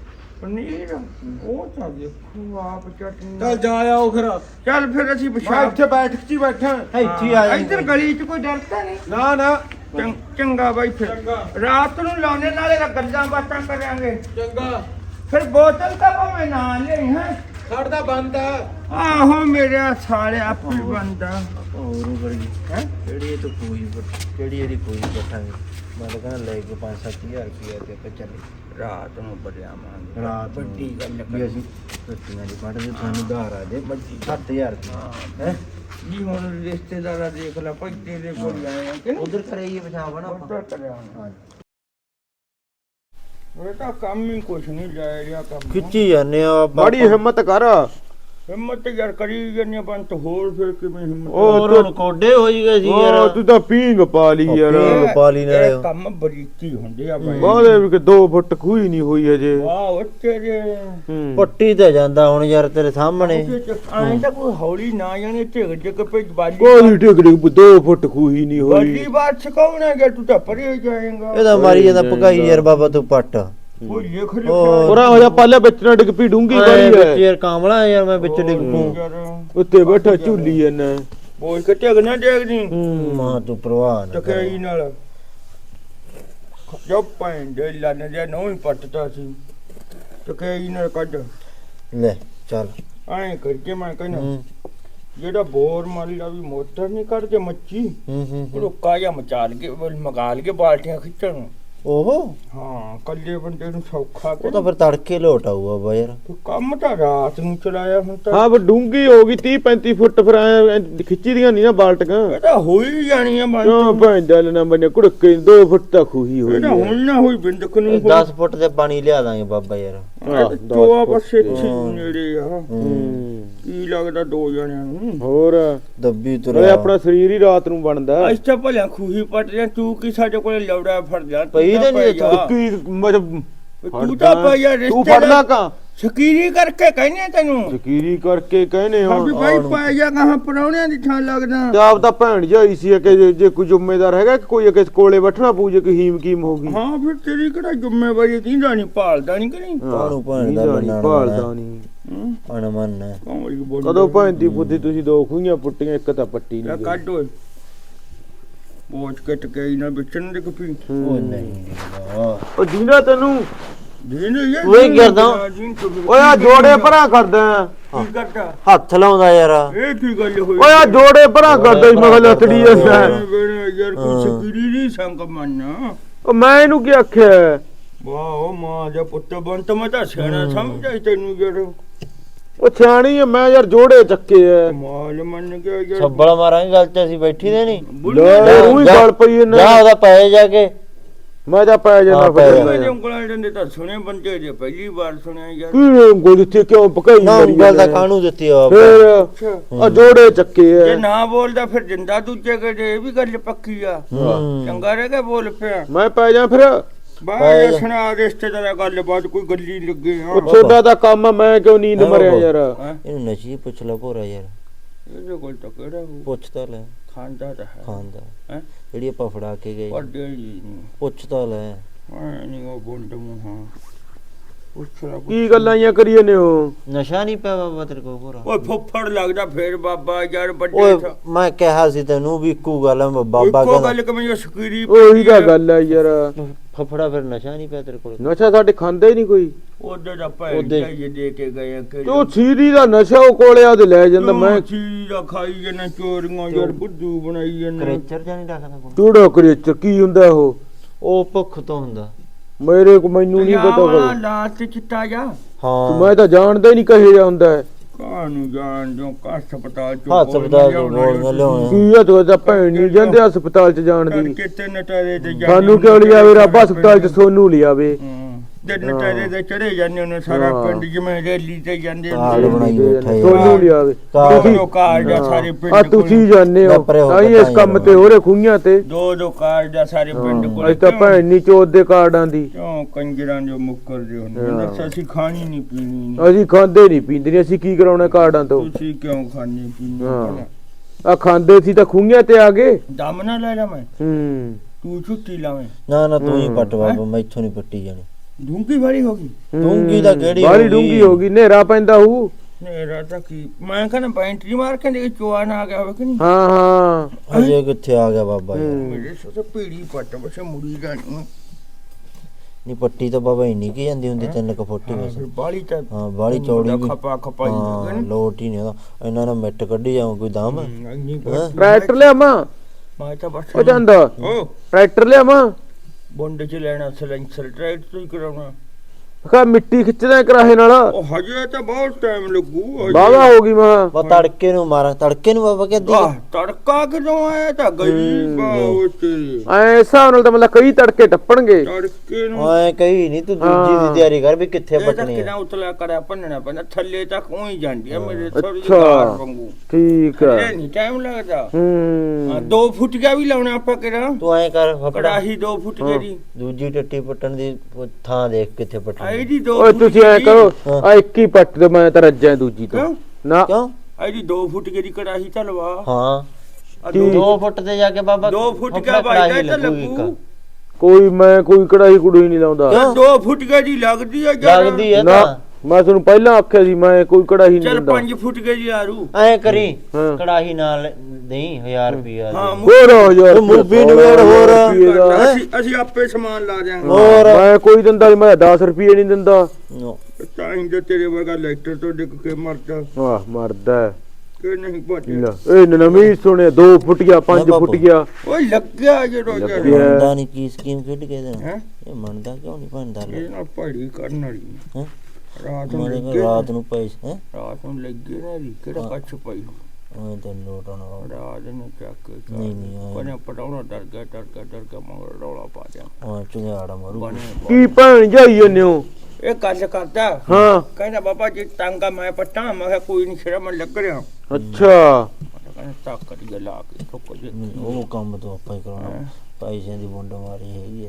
ਪਨੀਰ ਉਹ ਤਾਂ ਦੇਖੋ ਆਪ ਚਟਨੀ ਚੱਲ ਜਾ ਆਓ ਫਿਰ ਚੱਲ ਫਿਰ ਅਸੀਂ ਮੈਂ ਪਿਸ਼ਾਬ ਇੱਥੇ ਬੈਠ ਕੇ ਹੀ ਬੈਠਾ ਇੱਥੇ ਹੀ ਆ ਹਾਂ, ਜਾਈਂ। ਇੱਧਰ ਗਲੀ 'ਚ ਕੋਈ ਡਰਦਾ ਨਹੀਂ ਨਾ ਨਾ ਚੰ- ਚੰਗਾ ਬਾਈ ਫਿਰ ਚੰਗਾ। ਰਾਤ ਨੂੰ ਲਾਉਣੇ ਨਾਲੇ ਤਾਂ ਗੱਲਾਂ ਬਾਤਾਂ ਕਰਾਂਗੇ ਚੰਗਾ ਫਿਰ ਬੋਤਲ ਤਾਂ ਭਾਵੇਂ ਨਾ ਲਈ ਹੈ ਸਾਡਾ ਬੰਦ ਆ ਆਹੋ ਮੇਰੇ ਸਾਲੇ ਆਪੇ ਬੰਦਾ ਹੋਰ ਵਰਗੀ ਹੈ ਕਿਹੜੀ ਇਹ ਤਾਂ ਕੋਈ ਕਿਹੜੀ ਇਹਦੀ ਕੋਈ ਬੈਠਾਂਗੇ ਮੈਂ ਤਾਂ ਕਹਿੰਦਾ ਲੈ ਕੇ ਪੰਜ ਸੱਤ ਹਜ਼ਾਰ ਰੁਪਇਆ ਤੇ ਆਪਾਂ ਚੱਲੇ ਰਾਤ ਨੂੰ ਬੜਿਆਵਾਂਗੇ ਰਾਤ ਨੂੰ ਵੱਡੀ ਗੱਲ ਵੀ ਕਰ ਅਸੀਂ ਰੋਟੀਆਂ ਦੀ ਪੜਦੇ ਤੁਹਾਨੂੰ ਧਾਰ ਆ ਜੇ ਸੱਤ ਹਜ਼ਾਰ ਰੁਪਇਆ ਹੈ ਜੀ ਹੁਣ ਰਿਸ਼ਤੇਦਾਰਾ ਦੇਖ ਲੈ ਭਾਈ ਤੇਰੇ ਕੋਲ ਆਏ ਆ ਕਿ ਨਹੀਂ ਉਧਰ ਕਰਾਈਏ ਪਿਸ਼ਾਬ ਨਾ ਆਪਾਂ ਉੱਧਰ ਕਰਿਆ ਹੋਣਾ। ਹਾਂ ਇਹ ਤਾਂ ਕੰਮ ਹੀ ਕੁਛ ਨਹੀਂ ਜਾਇ ਰਿਹਾ ਕੰਮ ਖਿੱਚੀ ਜਾਂਦੇ ਆ ਬੜੀ ਹਿੰਮਤ ਕਰ ਹਿੰਮਤ ਯਾਰ ਕਰੀ ਜੰਨੇ ਬੰਤ ਹੋਰ ਫਿਰ ਕਿਵੇਂ ਹਿੰਮਤ ਹੋਰ ਹੁਣ ਕੋਡੇ ਹੋਈ ਗਏ ਸੀ ਯਾਰ ਉਹ ਤੂੰ ਤਾਂ ਪੀਂਗ ਪਾ ਲਈ ਯਾਰ ਪੀਂਗ ਪਾ ਲਈ ਨਾਲੇ। ਇਹ ਕੰਮ ਬਰੀਕੀ ਹੁੰਦੇ ਆ ਬਾਈ ਬਾਹਲੇ ਵੀ ਕਿ ਦੋ ਫੁੱਟ ਖੂਹੀ ਨਹੀਂ ਹੋਈ ਅਜੇ ਵਾਹ ਉਹ ਤੇਰੇ ਹੂੰ। ਪੱਟੀ ਤੇ ਜਾਂਦਾ ਹੁਣ ਯਾਰ ਤੇਰੇ ਸਾਹਮਣੇ ਐਂ ਤਾਂ ਕੋਈ ਹੌਲੀ ਨਾ ਜਾਣੇ ਢਿੱਗ ਢਿੱਗ ਪੇ ਬਾਲੀ ਕੋਈ ਟਿਕ ਟਿਕ ਦੋ ਫੁੱਟ ਖੂਹੀ ਨਹੀਂ ਬਾਲੀ ਹੋਈ ਬਾਤ ਸਿਕਾਉਣਾ ਕਿ ਤੂੰ ਤਾਂ ਪਰੇ ਜਾਏਗਾ ਇਹਦਾ ਮਾਰੀ ਜਾਂਦਾ ਭਗਾਈ ਯਾਰ ਬਾਬਾ ਤੂੰ ਪੱਟ ਕੋਈ ਲਿਖ ਉਹ ਲਿਖਿਆ ਪੂਰਾ ਹੋ ਜਾ ਪਾਲੇ ਬੱਚਣਾ ਡਿੱਗ ਪੀ ਡੂੰਗੀ ਐ ਬੜੀ ਵਿੱਚ ਹੈ ਯਾਰ ਕਾਮਲਾ ਯਾਰ ਮੈਂ ਵਿੱਚ ਡਿੱਗ ਪੂੰ ਯਾਰ ਉੱਤੇ ਬੈਠਾ ਝੂਲੀ ਇਹਨੇ ਬੋਲ ਕੇ ਢਿੱਗ ਨਾ ਡੇਗਦੀ ਮਾਂ ਤੂੰ ਪ੍ਰਵਾਹ ਨਾ ਕਰ। ਟਕਈ ਨਾਲ ਜੋ ਪੈਂਦੇ ਲੰਨ ਜੇ ਨਹੀਂ ਪੱਟਦਾ ਸੀ ਟਕਈ ਨਾਲ ਕੱਢ ਲੈ ਚੱਲ ਐਂ ਕਰਕੇ ਮੈਂ ਕਹਿੰਦਾ ਹੂੰ ਜਿਹੜਾ ਬੋਰ ਮਾਰੀ ਦਾ ਵੀ ਮੋਟਰ ਨਹੀਂ ਕੱਢਦੇ ਮੱਛੀ ਹੂੰ ਹੂੰ ਹੂੰ। ਰੁੱਕਾ ਜਾਂ ਮਚਾਲ ਕੇ ਮਗਾਲ ਕੇ ਬਾਲਟੀਆਂ ਖਿੱਚਣ ਨੂੰ। ਓਹੋ ਹਾਂ ਕੱਲੇ ਬੰਦੇ ਨੂੰ ਸੌਖਾ ਉਹ ਤਾਂ ਫਿਰ ਤੜਕੇ ਲੋਟ ਆਊਗਾ ਬਾ ਯਾਰ ਤੇ ਕੰਮ ਤਾਂ ਰਾਤ ਨੂੰ ਚਲਾਇਆ ਹੁਣ ਤਾਂ ਹਾਂ ਪਰ ਡੂੰਗੀ ਹੋ ਗਈ ਤੀਹ ਪੈਂਤੀ ਫੁੱਟ ਫਿਰ ਐ ਖਿੱਚੀ ਦੀਆਂ ਨਹੀਂ ਨਾ ਬਾਲਟੀਆਂ ਇਹ ਤਾਂ ਹੋਈ ਜਾਣੀ ਆ ਬੰਦ ਕਿਉਂ ਭੈਣ ਜਲ ਨਾ ਬਣੇ ਕੁੜਕੇ ਦੋ ਫੁੱਟ ਤਾਂ ਖੂਹੀ ਹੋਈ ਇਹ ਤਾਂ ਹੈ। ਹੁਣ ਨਾ ਹੋਈ ਬਿੰਦਕ ਨੂੰ ਦਸ ਫੁੱਟ ਦੇ ਪਾਣੀ ਲਿਆ ਦਾਂਗੇ ਬਾਬਾ ਯਾਰ ਹਾਂ, ਦਸ ਦੋ ਫੁੱਟ ਪਾਸੇ ਤੇ। ਨੇੜੇ ਆ ਹੂੰ। ਕੀ ਲੱਗਦਾ ਦੋ ਜਣਿਆਂ ਨੂੰ ਹੋਰ ਦੱਬੀ ਓਏ ਤੁਰਿਆ ਆਪਣਾ ਸਰੀਰ ਹੀ ਰਾਤ ਨੂੰ ਬਣਦਾ ਅੱਜ ਤਾਂ ਭਲਿਆ ਖੂਹੀ ਪੱਟ ਜਾਂ ਤੂੰ ਕੀ ਸਾਡੇ ਕੋਲੇ ਲੌੜਾ ਫੜ ਜਾ ਤੂੰ ਪਈ ਤਾਂ ਤਾਂ ਨਹੀਂ ਪੈ ਇੱਥੋਂ। ਜਾ। ਕੀ ਮਤਲਬ ਤੂੰ ਤਾਂ ਪੈ ਜਾ ਤੂੰ ਫੜਨਾ ਰਿਸ਼ਤੇਦਾਰ ਕਾ ਸ਼ਕੀਰੀ ਕਰਕੇ ਕਹਿੰਦੇ ਤੈਨੂੰ ਜ਼ਕੀਰੀ ਕਰਕੇ ਕਹਿੰਦੇ ਹਾਂ ਹੋ ਵੀ ਭਾਈ ਪੈ ਜਾ ਕਹਾਂ ਪਰੌਣਿਆਂ ਦੀ ਥਾਂ ਲੱਗਦਾ ਤੇ ਆਪ ਤਾਂ ਭੈਣ ਜਾਈ ਸੀ ਕਿ ਜੇ- ਜੇ ਕੋਈ ਜ਼ਿੰਮੇਦਾਰ ਹੈਗਾ ਕਿ ਕੋਈ ਕਿਸ ਕੋਲੇ ਬੈਠਣਾ ਪਊ ਜੇ ਕੋਈ ਹੀਮ ਕੀਮ ਹੋ ਗਈ ਹਾਂ ਫਿਰ ਤੇਰੀ ਕਿਹੜਾ ਜ਼ਿੰਮੇਵਾਰੀ ਦੀਂਦਾ ਨਹੀਂ ਭਾਲਦਾ ਨਹੀਂ ਕਰੀ ਕਾਹਨੂੰ ਭੈਣ ਦਾ ਨਹੀਂ ਮੰਨਣਾ ਭਾਲਦਾ ਨਹੀਂ ਅਣਮਨ ਹੈ ਕੌਮਲੀ ਬੋਲ ਕਦੋਂ ਭੈਣ ਦੀ ਬੁੱਧੀ ਤੁਸੀਂ ਦੋ ਖੂਹੀਆਂ ਪੁੱਟੀਆਂ ਇੱਕ ਤਾਂ ਪੱਟੀ ਲੈ ਨਹੀਂ ਕੱਢ ਓਏ ਪੋਚ ਕੇ ਟਕਈ ਨਾ ਵਿਚਣ ਦੇ ਕਪੀ ਉਹ ਨਹੀਂ ਉਹ ਜੀਂਦਾ ਤੈਨੂੰ ਦੀਨ ਇਹ ਓਏ ਕਰਦਾ। ਓਏ ਆ ਜੋੜੇ ਭਰਾ ਕਰਦਾ ਕੀ ਕਰਦਾ ਹੱਥ ਲਾਉਂਦਾ ਯਾਰ ਇਹ ਕੀ ਗੱਲ ਹੋਈ ਓਏ ਆ ਜੋੜੇ ਭਰਾ ਕਰਦਾ ਈ, ਮੈਂ ਕਿਹਾ ਲੱਤੜੀ ਜਾਂਦਾ ਬੇੜਾ ਯਾਰ ਕੋਈ ਸ਼ਕੀਰੀ ਨਹੀਂ ਸੰਗ ਮੰਨਾ ਉਹ ਮੈਂ ਇਹਨੂੰ ਕੀ ਆਖਿਆ ਵਾਹ ਮਾਂ ਦਾ ਪੁੱਤ ਬੰਤ ਮੈਂ ਤਾਂ ਸਿਆਣਾ ਸਮਝਾਈ ਤੈਨੂੰ ਯਾਰ ਉਹ ਸਿਆਣੀ ਆ ਮੈਂ ਯਾਰ ਜੋੜੇ ਚੱਕੇ ਐ ਮਾਲ ਮੰਨ ਗਿਆ ਯਾਰ ਛੱਬਲ ਮਾਰਾਂਗੇ ਗੱਲ ਤੇ ਅਸੀਂ ਬੈਠੀ ਦੇ ਨਹੀਂ ਲੈ ਉਹੀ ਗੱਲ ਪਈ ਇਹਨੇ ਜਾ ਉਹਦਾ ਪੈ ਜਾ ਕੇ ਮੈਂ ਤਾਂ ਪੈ ਜਾਣਾ ਹਾਂ, ਪੈ ਫਿਰ ਜਾ। ਮੇਰੇ ਉਂਗਲਾਂ ਡੰਡੇ ਤਾਂ ਸੁਣੇ ਬੰਦੇ ਜੇ ਪਹਿਲੀ ਵਾਰ ਸੁਣਿਆ ਯਾਰ ਕੀ ਉਂਗਲ ਇੱਥੇ ਕਿਉਂ ਪਕਾਈ ਨਾ ਮਰੀ ਉਂਗਲ ਦਾ ਜਾਂਦਾ? ਕਾਹਨੂੰ ਦਿੱਤੀ ਆ ਫਿਰ ਆ ਜੋੜੇ ਚੱਕੇ ਜੇ ਐ ਨਾ ਬੋਲਦਾ ਫਿਰ ਜਿੰਦਾ ਦੂਜੇ ਕੇ ਇਹ ਵੀ ਗੱਲ ਪੱਕੀ ਆ ਹੂੰ। ਚੰਗਾ ਰਹਿ ਗਿਆ ਬੋਲ ਪਿਆ ਮੈਂ ਪੈ ਜਾ ਫਿਰ ਬਾਹਰ ਸੁਣਾ ਰਿਸ਼ਤੇਦਾਰਾਂ ਗੱਲ ਬਾਤ ਕੋਈ ਗੱਲੀ ਲੱਗੇ ਹਾਂ ਉਹ ਛੋਟਾ ਦਾ ਕੰਮ ਆ, ਮੈਂ ਕਿਉਂ ਨੀਂਦ ਹਾਂ, ਮਰਿਆ ਬਾਬਾ। ਯਾਰ ਹੈਂ? ਇਹਨੂੰ ਨਸ਼ੀ ਪੁੱਛ ਲੈ ਭੋਰਾ ਯਾਰ ਇਹਦੇ ਕੋਲ ਤਾਂ ਕਿਹੜਾ ਹੋ ਪੁੱਛ ਤਾਂ ਲੈ ਖਾਂਦਾ ਤਾਂ ਹੈ ਖਾਂਦਾ ਹੈਂ? ਜਿਹੜੀ ਆਪਾਂ ਫੜਾ ਕੇ ਗਏ ਵੱਡੇ ਜੀ ਨਹੀਂ ਪੁੱਛ ਤਾਂ ਲੈ ਮੈਂ ਨਹੀਂ ਉਹ ਬੁੰਡ ਮੂੰਹਾਂ ਪੁੱਛ ਲਾ ਕੀ ਗੱਲਾਂ ਜਾਂ ਕਰੀਏ ਨੇ ਉਹ ਨਸ਼ਾ ਨਹੀਂ ਪਿਆ ਬਾਬਾ ਤੇਰੇ ਕੋਲ ਭੋਰਾ ਓਏ ਫੁੱਫੜ ਲੱਗਦਾ ਫੇਰ ਬਾਬਾ ਯਾਰ ਵੱਡੇ ਓਏ ਥਾ ਮੈਂ ਕਿਹਾ ਸੀ ਤੈਨੂੰ ਵੀ ਇੱਕੋ ਗੱਲ ਆ, ਬਾਬਾ ਇੱਕੋ ਕਹਿੰਦਾ ਗੱਲ ਕਮੇ ਸਕੀਰੀ ਉਹੀ ਤਾਂ ਗੱਲ ਆ ਯਾਰ ਫਫੜਾ ਫਿਰ ਨਸ਼ਾ ਨਹੀਂ ਪਿਆ ਤੇਰੇ ਕੋਲ ਨਸ਼ਾ ਸਾਡੇ ਖਾਂਦਾ ਹੀ ਨਹੀਂ ਕੋਈ ਉਹਦੇ ਦਾ ਭੈਣ ਉਹਦੇ- ਜਾਈਏ ਦੇ ਕੇ ਗਏ ਕਿ ਤੇ ਉਹ ਸੀਰੀ ਦਾ ਨਸ਼ਾ ਉਹ ਕੋਲੇ ਆ ਤੇ ਲੈ ਜਾਂਦਾ ਮੈਂ ਚੀਜ਼ ਦਾ ਖਾਈ ਜਨਾ ਚੋਰੀਆਂ ਯਾਰ ਬੁੱਧੂ ਬਣਾਈ ਜਨਾ ਕਰੇਚਰ ਜਾਂ ਨਹੀਂ ਰੱਖਦਾ ਕੋਲ ਚੂੜਾ ਕਰੇ ਚ ਕੀ ਹੁੰਦਾ ਉਹ ਉਹ ਭੁੱਖ ਤੋਂ ਹੁੰਦਾ ਮੇਰੇ ਕੋ ਮੈਨੂੰ ਨਹੀਂ ਪਤਾ ਵਾਲਾ ਕੋਈ ਲਾਤ ਚਿੱਟਾ ਜਾ ਹਾਂ ਮੈਂ ਤਾਂ ਜਾਣਦਾ ਹੀ ਨਹੀਂ ਕਹੇ ਜਾ ਹੁੰਦਾ ਹੈ ਕਾਹਨੂੰ ਜਾਣ ਜੋ ਹਸਪਤਾਲ ਚ ਹਸਪਤਾਲ ਚ ਗੋਲੀਆਂ ਲਿਆਉਣਾ ਕੀ ਆ ਤੂੰ ਤਾਂ ਭੈਣ ਨਹੀਂ ਜਾਂਦੇ ਹਸਪਤਾਲ ਚ ਜਾਣ ਦੀ ਕਿਤੇ ਨਟਾਰੇ ਤੇ ਜਾਂਦੇ ਸਾਨੂੰ ਕਿਉਂ ਲਿਆਵੇ ਰੱਬ ਹਸਪਤਾਲ ਚ ਸੋਨੂੰ ਲਿਆਵੇ ਤੇ ਨਟਾਰੇ ਤੇ ਚੜੇ ਜਾਂਦੇ ਉਹਨੇ ਸਾਰਾ ਹਾਂ। ਪਿੰਡ ਜਿਵੇਂ ਰੈਲੀ ਤੇ ਜਾਂਦੇ ਕਾਰਡ ਬਣਾਈ ਬੈਠਾ ਯਾਰ ਸੋਨੂੰ ਲਿਆਵੇ ਕਾਰਡ ਤੁਸੀਂ ਦੋ ਕਾਰਡ ਆ ਸਾਰੇ ਪਿੰਡ ਆ ਤੁਸੀਂ ਜਾਣਦੇ ਹੋ ਪਰੇ ਹੋ ਤਾਂ ਹੀ ਕੇ ਇਸ ਕੰਮ ਤੇ ਹੋ ਰਹੇ ਖੂਹੀਆਂ ਤੇ ਦੋ ਦੋ ਕਾਰਡ ਆ ਸਾਰੇ ਪਿੰਡ ਕੋਲ ਅੱਜ ਤਾਂ ਭੈਣ ਨਹੀਂ ਚੋਦ ਦੇ ਕਾਰਡਾਂ ਦੀ ਕਿਉਂ ਕੰਜਰਾਂ ਜੋ ਮੁੱਕਰਦੇ ਹੁੰਦੇ ਹਾਂ। ਨੇ ਅਸੀਂ ਖਾਣੀ ਨਹੀਂ ਪੀਣੀ ਨੀ। ਅਸੀਂ ਖਾਂਦੇ ਨਹੀਂ ਪੀਂਦੇ ਨਹੀਂ ਅਸੀਂ ਕੀ ਕਰਾਉਣਾ ਕਾਰਡਾਂ ਤੋਂ ਤੁਸੀਂ ਕਿਉਂ ਖਾਣੀ ਪੀਣੀ ਹਾਂ। ਆ ਖਾਂਦੇ ਸੀ ਤਾਂ ਖੂਹੀਆਂ ਤੇ ਆ ਗਏ ਦਮ ਨਾ ਲੈ ਜਾ ਮੈਂ ਹੂੰ ਤੂੰ ਛੁੱਟੀ ਲਾਵੇਂ ਨਾ ਨਾ ਤੂੰ ਹੀ ਹੂੰ। ਪੱਟ ਬਾਬਾ ਮੈਥੋਂ ਨਹੀਂ ਪੱਟੀ ਜਾਣੀ ਧੂੰਕੀ ਵਾਲੀ ਹੋ ਗਈ ਡੂੰਘੀ ਤਾਂ ਕਿਹੜੀ ਬਾਹਲੀ ਹੋ ਗਈ? ਡੂੰਗੀ ਹੋ ਗਈ ਹਨੇਰਾ ਪੈਂਦਾ ਹੂ ਮੇਰਾ ਤਾਂ ਕੀ ਮੈਂ ਕਹਿੰਦਾ ਬੈਂਟਰੀ ਮਾਰ ਕੇ ਦੇ ਚੋਆ ਨਾ ਆ ਗਿਆ ਹੋਵੇ ਕਿ ਨਹੀਂ ਹਾਂ ਹਾਂ ਅਜੇ ਕਿੱਥੇ ਆ ਗਿਆ ਬਾਬਾ ਯਾਰ ਹੂੰ। ਮੇਰੇ ਸੋ ਪੀੜੀ ਪੱਟ ਬਸੇ ਮੁੜੀ ਜਾਣੀ ਨਹੀਂ ਪੱਟੀ ਤਾਂ ਬਾਬਾ ਇੰਨੀ ਕੀ ਜਾਂਦੀ ਹੁੰਦੀ ਤਿੰਨ ਕੁ ਫੁੱਟ ਹੀ ਬਸ ਫਿਰ ਬਾਲੀ ਤਾਂ ਹਾਂ ਬਾਲੀ ਚੌੜੀ ਵੀ ਖਪਾ ਖਪਾਈ ਹਾਂ ਲੱਗਣ ਲੋਟ ਹੀ ਨਹੀਂ ਉਹਦਾ ਇਹਨਾਂ ਨਾਲ ਮਿੱਟ ਕੱਢੀ ਜਾਉ ਕੋਈ ਦਮ ਨਹੀਂ ਹੈਂ? ਟਰੈਕਟਰ ਲਿਆਵਾਂ ਮੈਂ ਤਾਂ ਬਸ ਉਹ ਜਾਂਦਾ ਓ ਟਰੈਕਟਰ ਲਿਆਵਾਂ ਬੁੰਡ ਚ ਲੈਣਾ ਸਲੈਂਸਰ ਟਰੈਕਟ ਤੋਂ ਹੀ ਕਰਾਉਣਾ ਕਾ ਮਿੱਟੀ ਖਿੱਚਦਾ ਕਰਾਹੇ ਨਾਲ ਉਹ ਹਜੇ ਤਾਂ ਬਹੁਤ ਟਾਈਮ ਲੱਗੂ ਹਜੇ। ਬਾਵਾ ਹੋ ਗਈ ਮਾਂ ਬਾ ਤੜਕੇ ਨੂੰ ਮਾਰਾਂ ਤੜਕੇ ਨੂੰ ਬਾਬਾ ਕਹਿੰਦੀ ਆਹ ਤੜਕਾ ਕਿਦੋਂ ਆਇਆ ਤਾਂ ਗਈ ਹੂੰ। ਬਾਉ ਤੇਰੀ ਐ ਹਿਸਾਬ ਨਾਲ ਤਾਂ ਮਤਲਬ ਕਈ ਤੜਕੇ ਟੱਪਣਗੇ ਤੜਕੇ ਨੂੰ ਓਏ ਕਹੀ ਨਹੀਂ ਤੂੰ ਦੂਜੀ ਹਾਂ। ਦੀ ਤਿਆਰੀ ਕਰ ਵੀ ਕਿੱਥੇ ਇਹ ਤਾਂ ਪੱਟਣੀ ਕਿਨਾ ਆ ਉਤਲਾ ਕਰਿਆ ਭੰਨਣਾ ਪੈਂਦਾ ਥੱਲੇ ਤੱਕ ਉਹੀ ਜਾਂਦੀ ਆ ਮੇਰੇ ਥੋੜੀ ਜਿਹੀ ਅੱਛਾ। ਕਾਰ ਵਾਂਗੂ ਠੀਕ ਇਹ ਹੈ ਨਹੀਂ ਟਾਈਮ ਲੱਗਦਾ ਹਾਂ, ਹੂੰ ਦੋ ਫੁੱਟ ਗਿਆ ਵੀ ਲਾਉਣਾ ਆਪਾਂ ਕਿਹੜਾ ਤੂੰ ਐਂ ਕਰ ਫਫੜਾ ਕੜਾਹੀ ਦੋ ਫੁੱਟ ਹਾਂ। ਜਿਹੜੀ ਦੂਜੀ ਟੱਟੀ ਪੱਟਣ ਦੀ ਉਹ ਥਾਂ ਦੇਖ ਕਿੱਥੇ ਪੱਟਣੀ ਆਈਡੀ ਦੋ ਓਏ ਫੁੱਟ ਤੁਸੀਂ ਐ ਜਿਹੜੀ- ਕਰੋ ਹਾਂ। ਆ ਇੱਕ ਹੀ ਪੱਟ ਦੇ ਮੈਂ ਤਾਂ ਰੱਜਾਂ ਦੂਜੀ ਤੋਂ ਕਿਉਂ ਨਾ ਕਿਉਂ ਆਈਡੀ ਦੋ ਫੁੱਟ ਜਿਹੜੀ ਕੜਾਹੀ ਤਾਂ ਲਵਾ ਹਾਂ ਆ ਠੀਕ। ਦੋ ਫੁੱਟ ਤੇ ਜਾ ਕੇ ਬਾਬਾ ਦੋ ਫੁੱਟ ਫਫੜਾ ਕਿਆ ਕੜਾਹੀ ਬਾਈ ਤਾਂ ਲੱਗੂ ਇੱਕ। ਲੱਗੂ ਕੋਈ ਮੈਂ ਕੋਈ ਕੜਾਈ ਕੁੜੀ ਨਹੀਂ ਲਾਉਂਦਾ ਕਿਉਂ? ਦੋ ਫੁੱਟ ਗਏ ਜੀ ਲੱਗਦੀ ਆ ਯਾਰ ਲੱਗਦੀ ਐ ਨਾ ਤਾਂ ਮੈਂ ਤੁਹਾਨੂੰ ਪਹਿਲਾਂ ਆਖਿਆ ਸੀ ਮੈਂ ਕੋਈ ਕੜਾਈ ਨਹੀਂ ਚੱਲ ਦਿੰਦਾ ਪੰਜ ਫੁੱਟ ਗਏ ਜੀ ਆਰੂ ਐਂ ਕਰੀ ਹਾਂ। ਕੜਾਹੀ ਨਾਲ ਦੇਈ ਹਜ਼ਾਰ ਰੁਪਿਆ ਹਾਂ ਹੋਰ ਯਾਰ ਉਹ ਮੂਵੀ ਨੂੰ ਵੇੜ ਹੋਰ। ਰੁਪਈਏ ਦਾ। ਅਸੀਂ ਅਸੀਂ ਆਪੇ ਸਮਾਨ ਲਾ ਦਿਆਂਗੇ ਹੋਰ ਮੈਂ ਕੋਈ ਦਿੰਦਾ ਨੀ, ਮੈਂ ਦਸ ਰੁਪਏ ਨਹੀਂ ਦਿੰਦਾ ਨੋ। ਤਾਂ ਇੰਜ ਤੇਰੇ ਵਰਗਾ ਲੈਕਟਰ ਤੋਂ ਡਿੱਗ ਕੇ ਮਰਦਾ ਵਾਹ ਮਰਦਾ ਹੈ। ਕਿ ਨਹੀਂ ਭੱਜ ਲੈ, ਇਹ ਨਵੀਂ ਸੁਣਿਆ ਦੋ ਫੁੱਟੀਆਂ ਪੰਜ ਬਾਪੂ। ਫੁੱਟੀਆਂ ਓਏ ਲੱਗਿਆ ਜਦੋਂ ਯਾਰ ਲੱਗਿਆ। ਮੰਨਦਾ ਨਹੀਂ ਕੀ ਸਕੀਮ ਖੇਡ ਕੇ ਦੇਣਾ ਹੈ ਇਹ ਮੰਨਦਾ ਕਿਉਂ ਨਹੀਂ ਭੰਦਾ ਇਹ ਨਾ ਪੜੀ ਕਰਨ ਵਾਲੀ ਹੈਂ? ਰਾਤ ਨੂੰ ਮਾਰੇ ਲੱਗੇ ਰਾਤ ਨੂੰ ਪੈਸੇ ਹੈ ਰਾਤ ਨੂੰ ਲੱਗੇ ਨਾ ਦੀ ਕਿਹੜਾ ਹਾਂ। ਕੱਛ ਪਈ ਉਹ ਤਾਂ ਲੋਟ ਆਉਣਾ ਰਾਤ ਨੂੰ ਚੱਕ ਕੇ ਨਹੀਂ, ਨਹੀਂ, ਹਾਂ। ਬਣੇ ਪਟਾਉਣਾ ਡਰ ਗਿਆ ਡਰ ਗਿਆ ਡਰ ਗਿਆ ਮਗਰ ਰੌਲਾ ਪਾ ਦਿਆਂ ਉਹ ਚੁਗਾੜਾ ਮਾਰੂ ਬਣੇ ਕੀ ਭੈਣ ਜਾਈ ਜੰਨੇ ਹੋ ਇਹ ਗੱਲ ਕਰਦਾ ਹਾਂ ਕਹਿੰਦਾ ਬਾਬਾ ਜੀ ਟਾਂਗਾ ਮੈਂ ਪਟਾ ਮੈਂ ਕਿਹਾ ਕੋਈ ਨਹੀਂ ਸ਼ਰਮ ਲੱਗ ਰਿਹਾ ਅੱਛਾ ਕਹਿੰਦਾ ਤਾਕਤ ਜਿਹਾ ਲਾ ਕੇ ਠੋਕ ਜੇ ਨਹੀਂ, ਉਹ ਕੰਮ ਤੋਂ ਆਪਾਂ ਹੀ ਕਰਾਉਣਾ ਹੈਂ? ਪੈਸਿਆਂ ਦੀ ਬੁੰਡ ਮਾਰੀ ਹੈਗੀ ਹੈ ਤਾਂ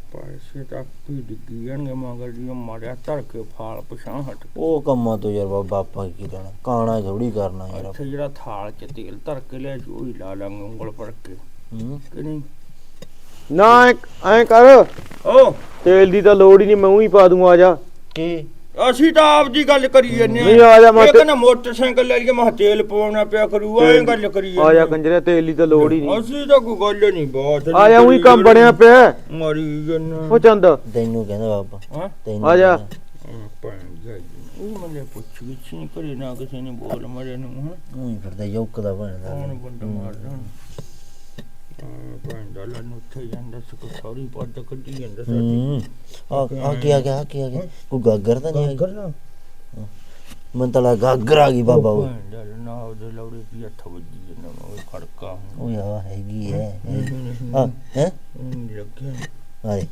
ਪੈਸੇ ਤਾਂ ਵੀ ਡਿੱਗੀ ਜਾਣਗੇ ਮਗਰ ਜੀ ਮਾਰਿਆ ਧਰ ਕੇ ਫਾਲ ਪਛਾਂ ਹਟ ਉਹ ਕੰਮਾਂ ਤੋਂ ਯਾਰ ਬਾਬਾ ਆਪਾਂ ਕੀ ਲੈਣਾ ਕਾਣਾ ਥੋੜੀ ਕਰਨਾ ਯਾਰ ਇੱਥੇ ਜਿਹੜਾ ਥਾਲ ਚ ਤੇਲ ਧਰ ਕੇ ਲਿਆ ਸੀ ਉਹੀ ਲਾ ਲਾਂਗੇ ਉਂਗਲ ਭਰ ਕੇ ਹੂੰ ਕਿ ਨਹੀਂ ਨਾ ਐ ਕਰ ਓ ਤੇਲ ਦੀ ਤਾਂ ਲੋੜ ਹੀ ਨਹੀਂ ਮੈਂ ਹੀ ਪਾ ਦੂੰ ਆ ਜਾ ਕੀ ਅਸੀਂ ਤਾਂ ਆਪ ਦੀ ਗੱਲ ਕਰੀ ਜੰਨੇ ਨਹੀਂ ਆ ਜਾ ਮੈਂ ਇਹ ਕਹਿੰਦਾ ਮੋਟਰਸਾਈਕਲ ਲੈ ਲਈਏ ਮੈਂ ਕਿਹਾ ਤੇਲ ਪਵਾਉਣਾ ਪਿਆ ਕਰੂ ਐਂ ਗੱਲ ਕਰੀ ਆ ਜਾ ਕੰਜਰੇ ਤੇਲ ਦੀ ਤਾਂ ਲੋੜ ਹੀ ਨਹੀਂ ਅਸੀਂ ਤਾਂ ਕੋਈ ਗੱਲ ਨਹੀਂ ਬਾਤ ਆ ਜਾ ਉਹੀ ਕੰਮ ਬਣਿਆ ਪਿਆ ਮਰੀ ਜੰਨਾ ਉਹ ਚੰਦ ਤੈਨੂੰ ਕਹਿੰਦਾ ਬਾਬਾ ਹਾਂ ਤੈਨੂੰ ਆ ਜਾ ਭੈਣ ਜਾਈ ਉਹ ਮੈਨੂੰ ਪੁੱਛ ਵਿੱਚ ਨਹੀਂ ਕਰੇ ਨਾ ਕਿਸੇ ਨੇ ਬੋਲ ਮਰੇ ਨੂੰ ਹਾਂ ਉਹੀ ਫਿਰਦਾ ਯੋਕ ਦਾ ਬਣਦਾ ਕੌਣ ਬੰਦਾ ਮਾਰਦਾ ਭੈਣ ਦਾ ਲੰਨ ਉੱਥੇ ਜਾਂਦਾ ਸਕੋ ਸੌਰੀ ਪੱਦ ਕੱਢੀ ਜਾਂਦਾ ਹੂੰ ਆ ਆ ਕੀ ਆ ਗਿਆ ਕੀ ਆ ਗਿਆ ਕੋਈ ਗਾਗਰ ਤਾਂ ਨਹੀਂ ਕਰਨਾ ਮਨ ਤਾਂ ਲੱਗਾ ਗਾਗਰ ਆ ਗਈ ਬਾਬਾ ਉਹ ਭੈਣ ਦਾ ਨਾ ਉਹਦੇ ਲੌੜੇ ਦੀ ਹੱਥ ਵੱਜੀ ਜਾਂਦਾ ਉਹ ਖੜਕਾ ਉਹ ਯਾ ਹੈਗੀ ਹੈ ਹਾਂ ਹੈ ਲੱਗਿਆ ਆਏ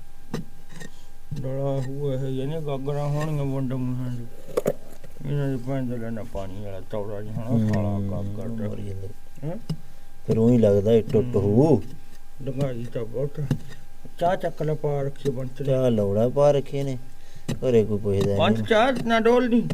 ਡਲਾ ਹੋਇਆ ਹੈ ਇਹਨੇ ਗਾਗਰਾਂ ਹੋਣੀਆਂ ਵੰਡ ਮੂਹਾਂ ਦੀ ਇਹਨਾਂ ਦੇ ਭੈਣ ਦਾ ਲੈਣਾ ਪਾਣੀ ਵਾਲਾ ਚੌੜਾ ਜਿਹਾ ਹਣਾ ਸਾਲਾ ਕੰਮ ਕਰਦਾ ਹੈ ਫਿਰ ਉਹੀ ਲੱਗਦਾ ਇਹ ਟੁੱਟ ਹੋ ਲੰਗਾਈ ਤਾਂ ਬਹੁਤ ਚਾਹ ਚੱਕ ਲੈ ਪਾ ਰੱਖੀ ਬੰਚ ਲੈ ਚਾਹ ਲੌੜਾ ਪਾ ਰੱਖੇ ਨੇ ਘਰੇ ਕੋਈ ਪੁੱਛਦਾ ਬੰਚ ਨਹੀਂ ਚਾਹ ਨਾ ਡੋਲ ਨਹੀਂ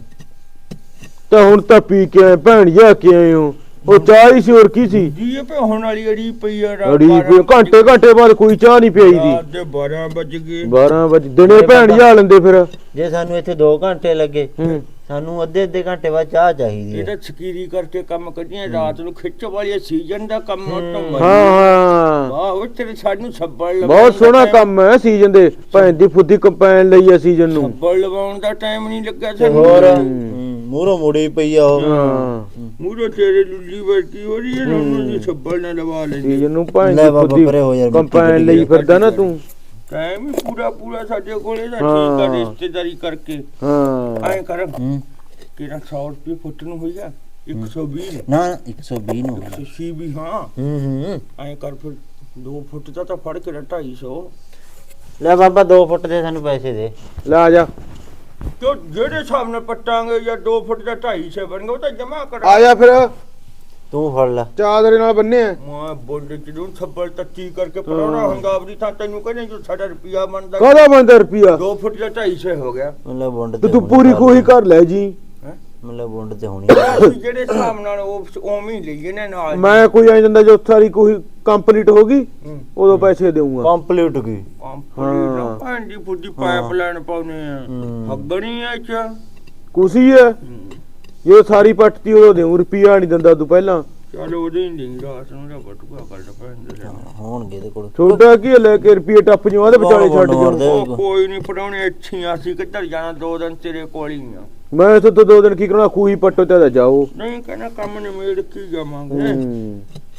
ਤਾਂ ਹੁਣ ਤਾਂ ਪੀ ਕੇ ਆਏ ਭੈਣ ਜਾ ਕੇ ਆਏ ਹੋ ਉਹ ਚਾਹ ਹੀ ਸੀ ਹੋਰ ਕੀ ਸੀ ਜੀ ਇਹ ਹੋਣ ਵਾਲੀ ਅੜੀ ਪਈ ਆ ਅੜੀ ਕੋਈ ਘੰਟੇ ਘੰਟੇ ਬਾਅਦ ਕੋਈ ਚਾਹ ਨਹੀਂ ਪਈ ਦੀ ਰਾਤ ਦੇ ਬਾਰਾਂ ਵੱਜ ਗਏ ਬਾਰਾਂ ਵਜੇ ਦਿਨੇ ਭੈਣ ਜਾ ਲੈਂਦੇ ਫਿਰ ਜੇ ਸਾਨੂੰ ਇੱਥੇ ਦੋ ਘੰਟੇ ਲੱਗੇ ਹੂੰ ਸਾਨੂੰ ਅੱਧੇ ਅੱਧੇ ਘੰਟੇ ਬਾਅਦ ਚਾਹ ਚਾਹੀਦੀ ਇਹ ਹੈ ਤਾਂ ਸਕੀਰੀ ਕਰਕੇ ਕੰਮ ਕੱਢੀਆਂ ਰਾਤ ਨੂੰ ਖਿੱਚ ਵਾਲੀ ਸੀਜ਼ਨ ਦਾ ਕੰਮ ਤੋਂ ਹਾਂ ਹਾਂ ਵਾਹ ਉਹ ਤੇਰੇ ਸਾਨੂੰ ਛੱਬਲ ਬਹੁਤ ਸੋਹਣਾ ਕੰਮ ਹੈ ਸੀਜ਼ਨ ਦੇ ਭੈਣ ਦੀ ਫੁੱਦੀ ਕੰਪੈਨ ਲਈ ਹੈ ਸੀਜ਼ਨ ਨੂੰ ਛੱਬਲ ਲਵਾਉਣ ਦਾ ਟਾਈਮ ਨਹੀਂ ਲੱਗਾ ਤੇ ਸਾਨੂੰ ਹੋਰ ਮੂਹਰੋਂ ਮੁੜੀ ਪਈ ਆ ਉਹ ਹਾਂ ਮੂਰੋ ਤੇਰੇ ਲੁੱਲੀ ਵਰਗੀ ਹੋ ਰਹੀ ਹੈ ਨਾ ਉਹਨਾਂ ਦੀ ਛੱਬਲ ਨਾ ਲਵਾ ਲੈ ਸੀਜ਼ਨ ਨੂੰ ਭੈਣ ਲੈ ਦੀ ਬਾਬਾ ਫੁੱਦੀ ਪਰੇ ਹੋ ਯਾਰ ਕੰਪੈਨ ਲਈ ਫਿਰਦਾ ਨਾ ਤੂੰ ਟਾਈਮ ਹੀ ਪੂਰਾ ਪੂਰਾ ਸਾਡੇ ਕੋਲੇ ਦਾ ਹਾਂ। ਠੀਕ ਆ ਰਿਸ਼ਤੇਦਾਰੀ ਕਰਕੇ ਹਾਂ ਐਂ ਕਰ ਹੂੰ ਕਿਹੜਾ ਸੌ ਰੁਪਏ ਫੁੱਟ ਨੂੰ ਹੋਈਆ ਇੱਕ ਸੌ ਵੀਹ ਨਾ ਇੱਕ ਸੌ ਵੀਹ ਨੂੰ ਹੋਣਾ। ਤੁਸੀਂ ਵੀ ਹਾਂ ਹੂੰ ਹੂੰ ਐਂ ਕਰ ਫਿਰ ਦੋ ਫੁੱਟ ਦਾ ਤਾਂ ਫੜ ਕੇ ਢਾਈ ਸੌ ਲੈ ਬਾਬਾ ਦੋ ਫੁੱਟ ਦੇ ਸਾਨੂੰ ਪੈਸੇ ਦੇ ਲੈ ਆ ਜਾ ਕਿਉਂ ਜਿਹੜੇ ਹਿਸਾਬ ਨਾਲ ਪੱਟਾਂਗੇ ਜਾਂ ਦੋ ਫੁੱਟ ਦਾ ਢਾਈ ਸੌ ਬਣਗਾ ਉਹ ਤਾਂ ਜਮਾ ਕਰ ਆ ਜਾ ਫਿਰ ਤੂੰ ਫੜ ਲੈ ਚਾਦਰੇ ਨਾਲ ਬੰਨੇ ਆ ਮੈਂ ਬੋਲਦੇ ਜਿਹਨੂੰ ਛੱਬਲ ਤੱਤੀ ਕਰਕੇ ਪਰੋਣਾ ਹੰਗਾਵਰੀ ਤਾਂ ਤੈਨੂੰ ਕਹਿੰਦੇ ਜੋ ਸਾਡਾ ਰੁਪਿਆ ਬਣਦਾ ਕਾਹਦਾ ਬੰਦਾ ਰੁਪਿਆ ਦੋ ਫੁੱਟ ਦਾ ਢਾਈ ਸੌ ਹੋ ਗਿਆ ਮਤਲਬ ਬੁੰਡ ਤੇ ਤੇ ਤੂੰ ਪੂਰੀ ਕੋਈ ਕਰ ਲੈ ਜੀ ਹੈਂ? ਮਤਲਬ ਬੁੰਡ ਤੇ ਹੋਣੀ ਅਸੀਂ ਜਿਹੜੇ ਹਿਸਾਬ ਨਾਲ ਉਹ ਉਵੇਂ ਹੀ ਲਈਏ ਨਾ ਨਾਲ ਮੈਂ ਕੋਈ ਐ ਜਾਂਦਾ ਜੋ ਸਾਰੀ ਕੋਈ ਕੰਪਲੀਟ ਹੋ ਗਈ ਹੂੰ। ਉਦੋਂ ਪੈਸੇ ਦੇਊਂਗਾ ਕੰਪਲੀਟ ਗਈ ਕੰਪਲੀਟ ਹਾਂ। ਭਾਂਡੀ ਫੁੱਡੀ ਪਾਈਪਲਾਈਨ ਪਾਉਨੇ ਆ ਹੂੰ। ਹੱਗਣੀ ਆ ਚ ਕੁਸੀ ਹੈ ਜੇ ਸਾਰੀ ਪੱਟਤੀ ਉਦੋਂ ਦੇਊ ਰੁਪਿਆ ਨਹੀਂ ਦਿੰਦਾ ਤੂੰ ਪਹਿਲਾਂ ਚਲ ਉਹਦੇ ਹੀ ਨਹੀਂ ਰਾਤ ਨੂੰ ਦਾ ਬਟੂਆ ਕਰਦਾ ਪੈਂਦੇ ਹੋਣਗੇ ਇਹਦੇ ਕੋਲ ਛੋਟਾ ਕੀ ਹੈ, ਲੈ ਕੇ ਰੁਪਏ ਟੱਪ ਜਿਉਂ ਆਦੇ ਵਿਚਾਲੇ ਛੱਡ ਮਾਰ ਦੇ। ਜਾਉਂ ਉਹ ਕੋਈ ਨਹੀਂ ਪੜਾਉਣੇ ਇੱਥੇ ਆ, ਅਸੀਂ ਕਿੱਧਰ ਜਾਣਾ ਦੋ ਦਿਨ ਤੇਰੇ ਕੋਲ ਹੀ ਆ ਮੈਂ ਇੱਥੇ ਤੋਂ ਦੋ ਦਿਨ ਕੀ ਕਰਨਾ ਖੂਹੀ ਪੱਟੋ ਤੇ ਜਾਓ ਨਹੀਂ ਕਹਿੰਦਾ ਕੰਮ ਨਿਮੇੜ ਕੀ ਜਾਵਾਂਗੇ ਹੂੰ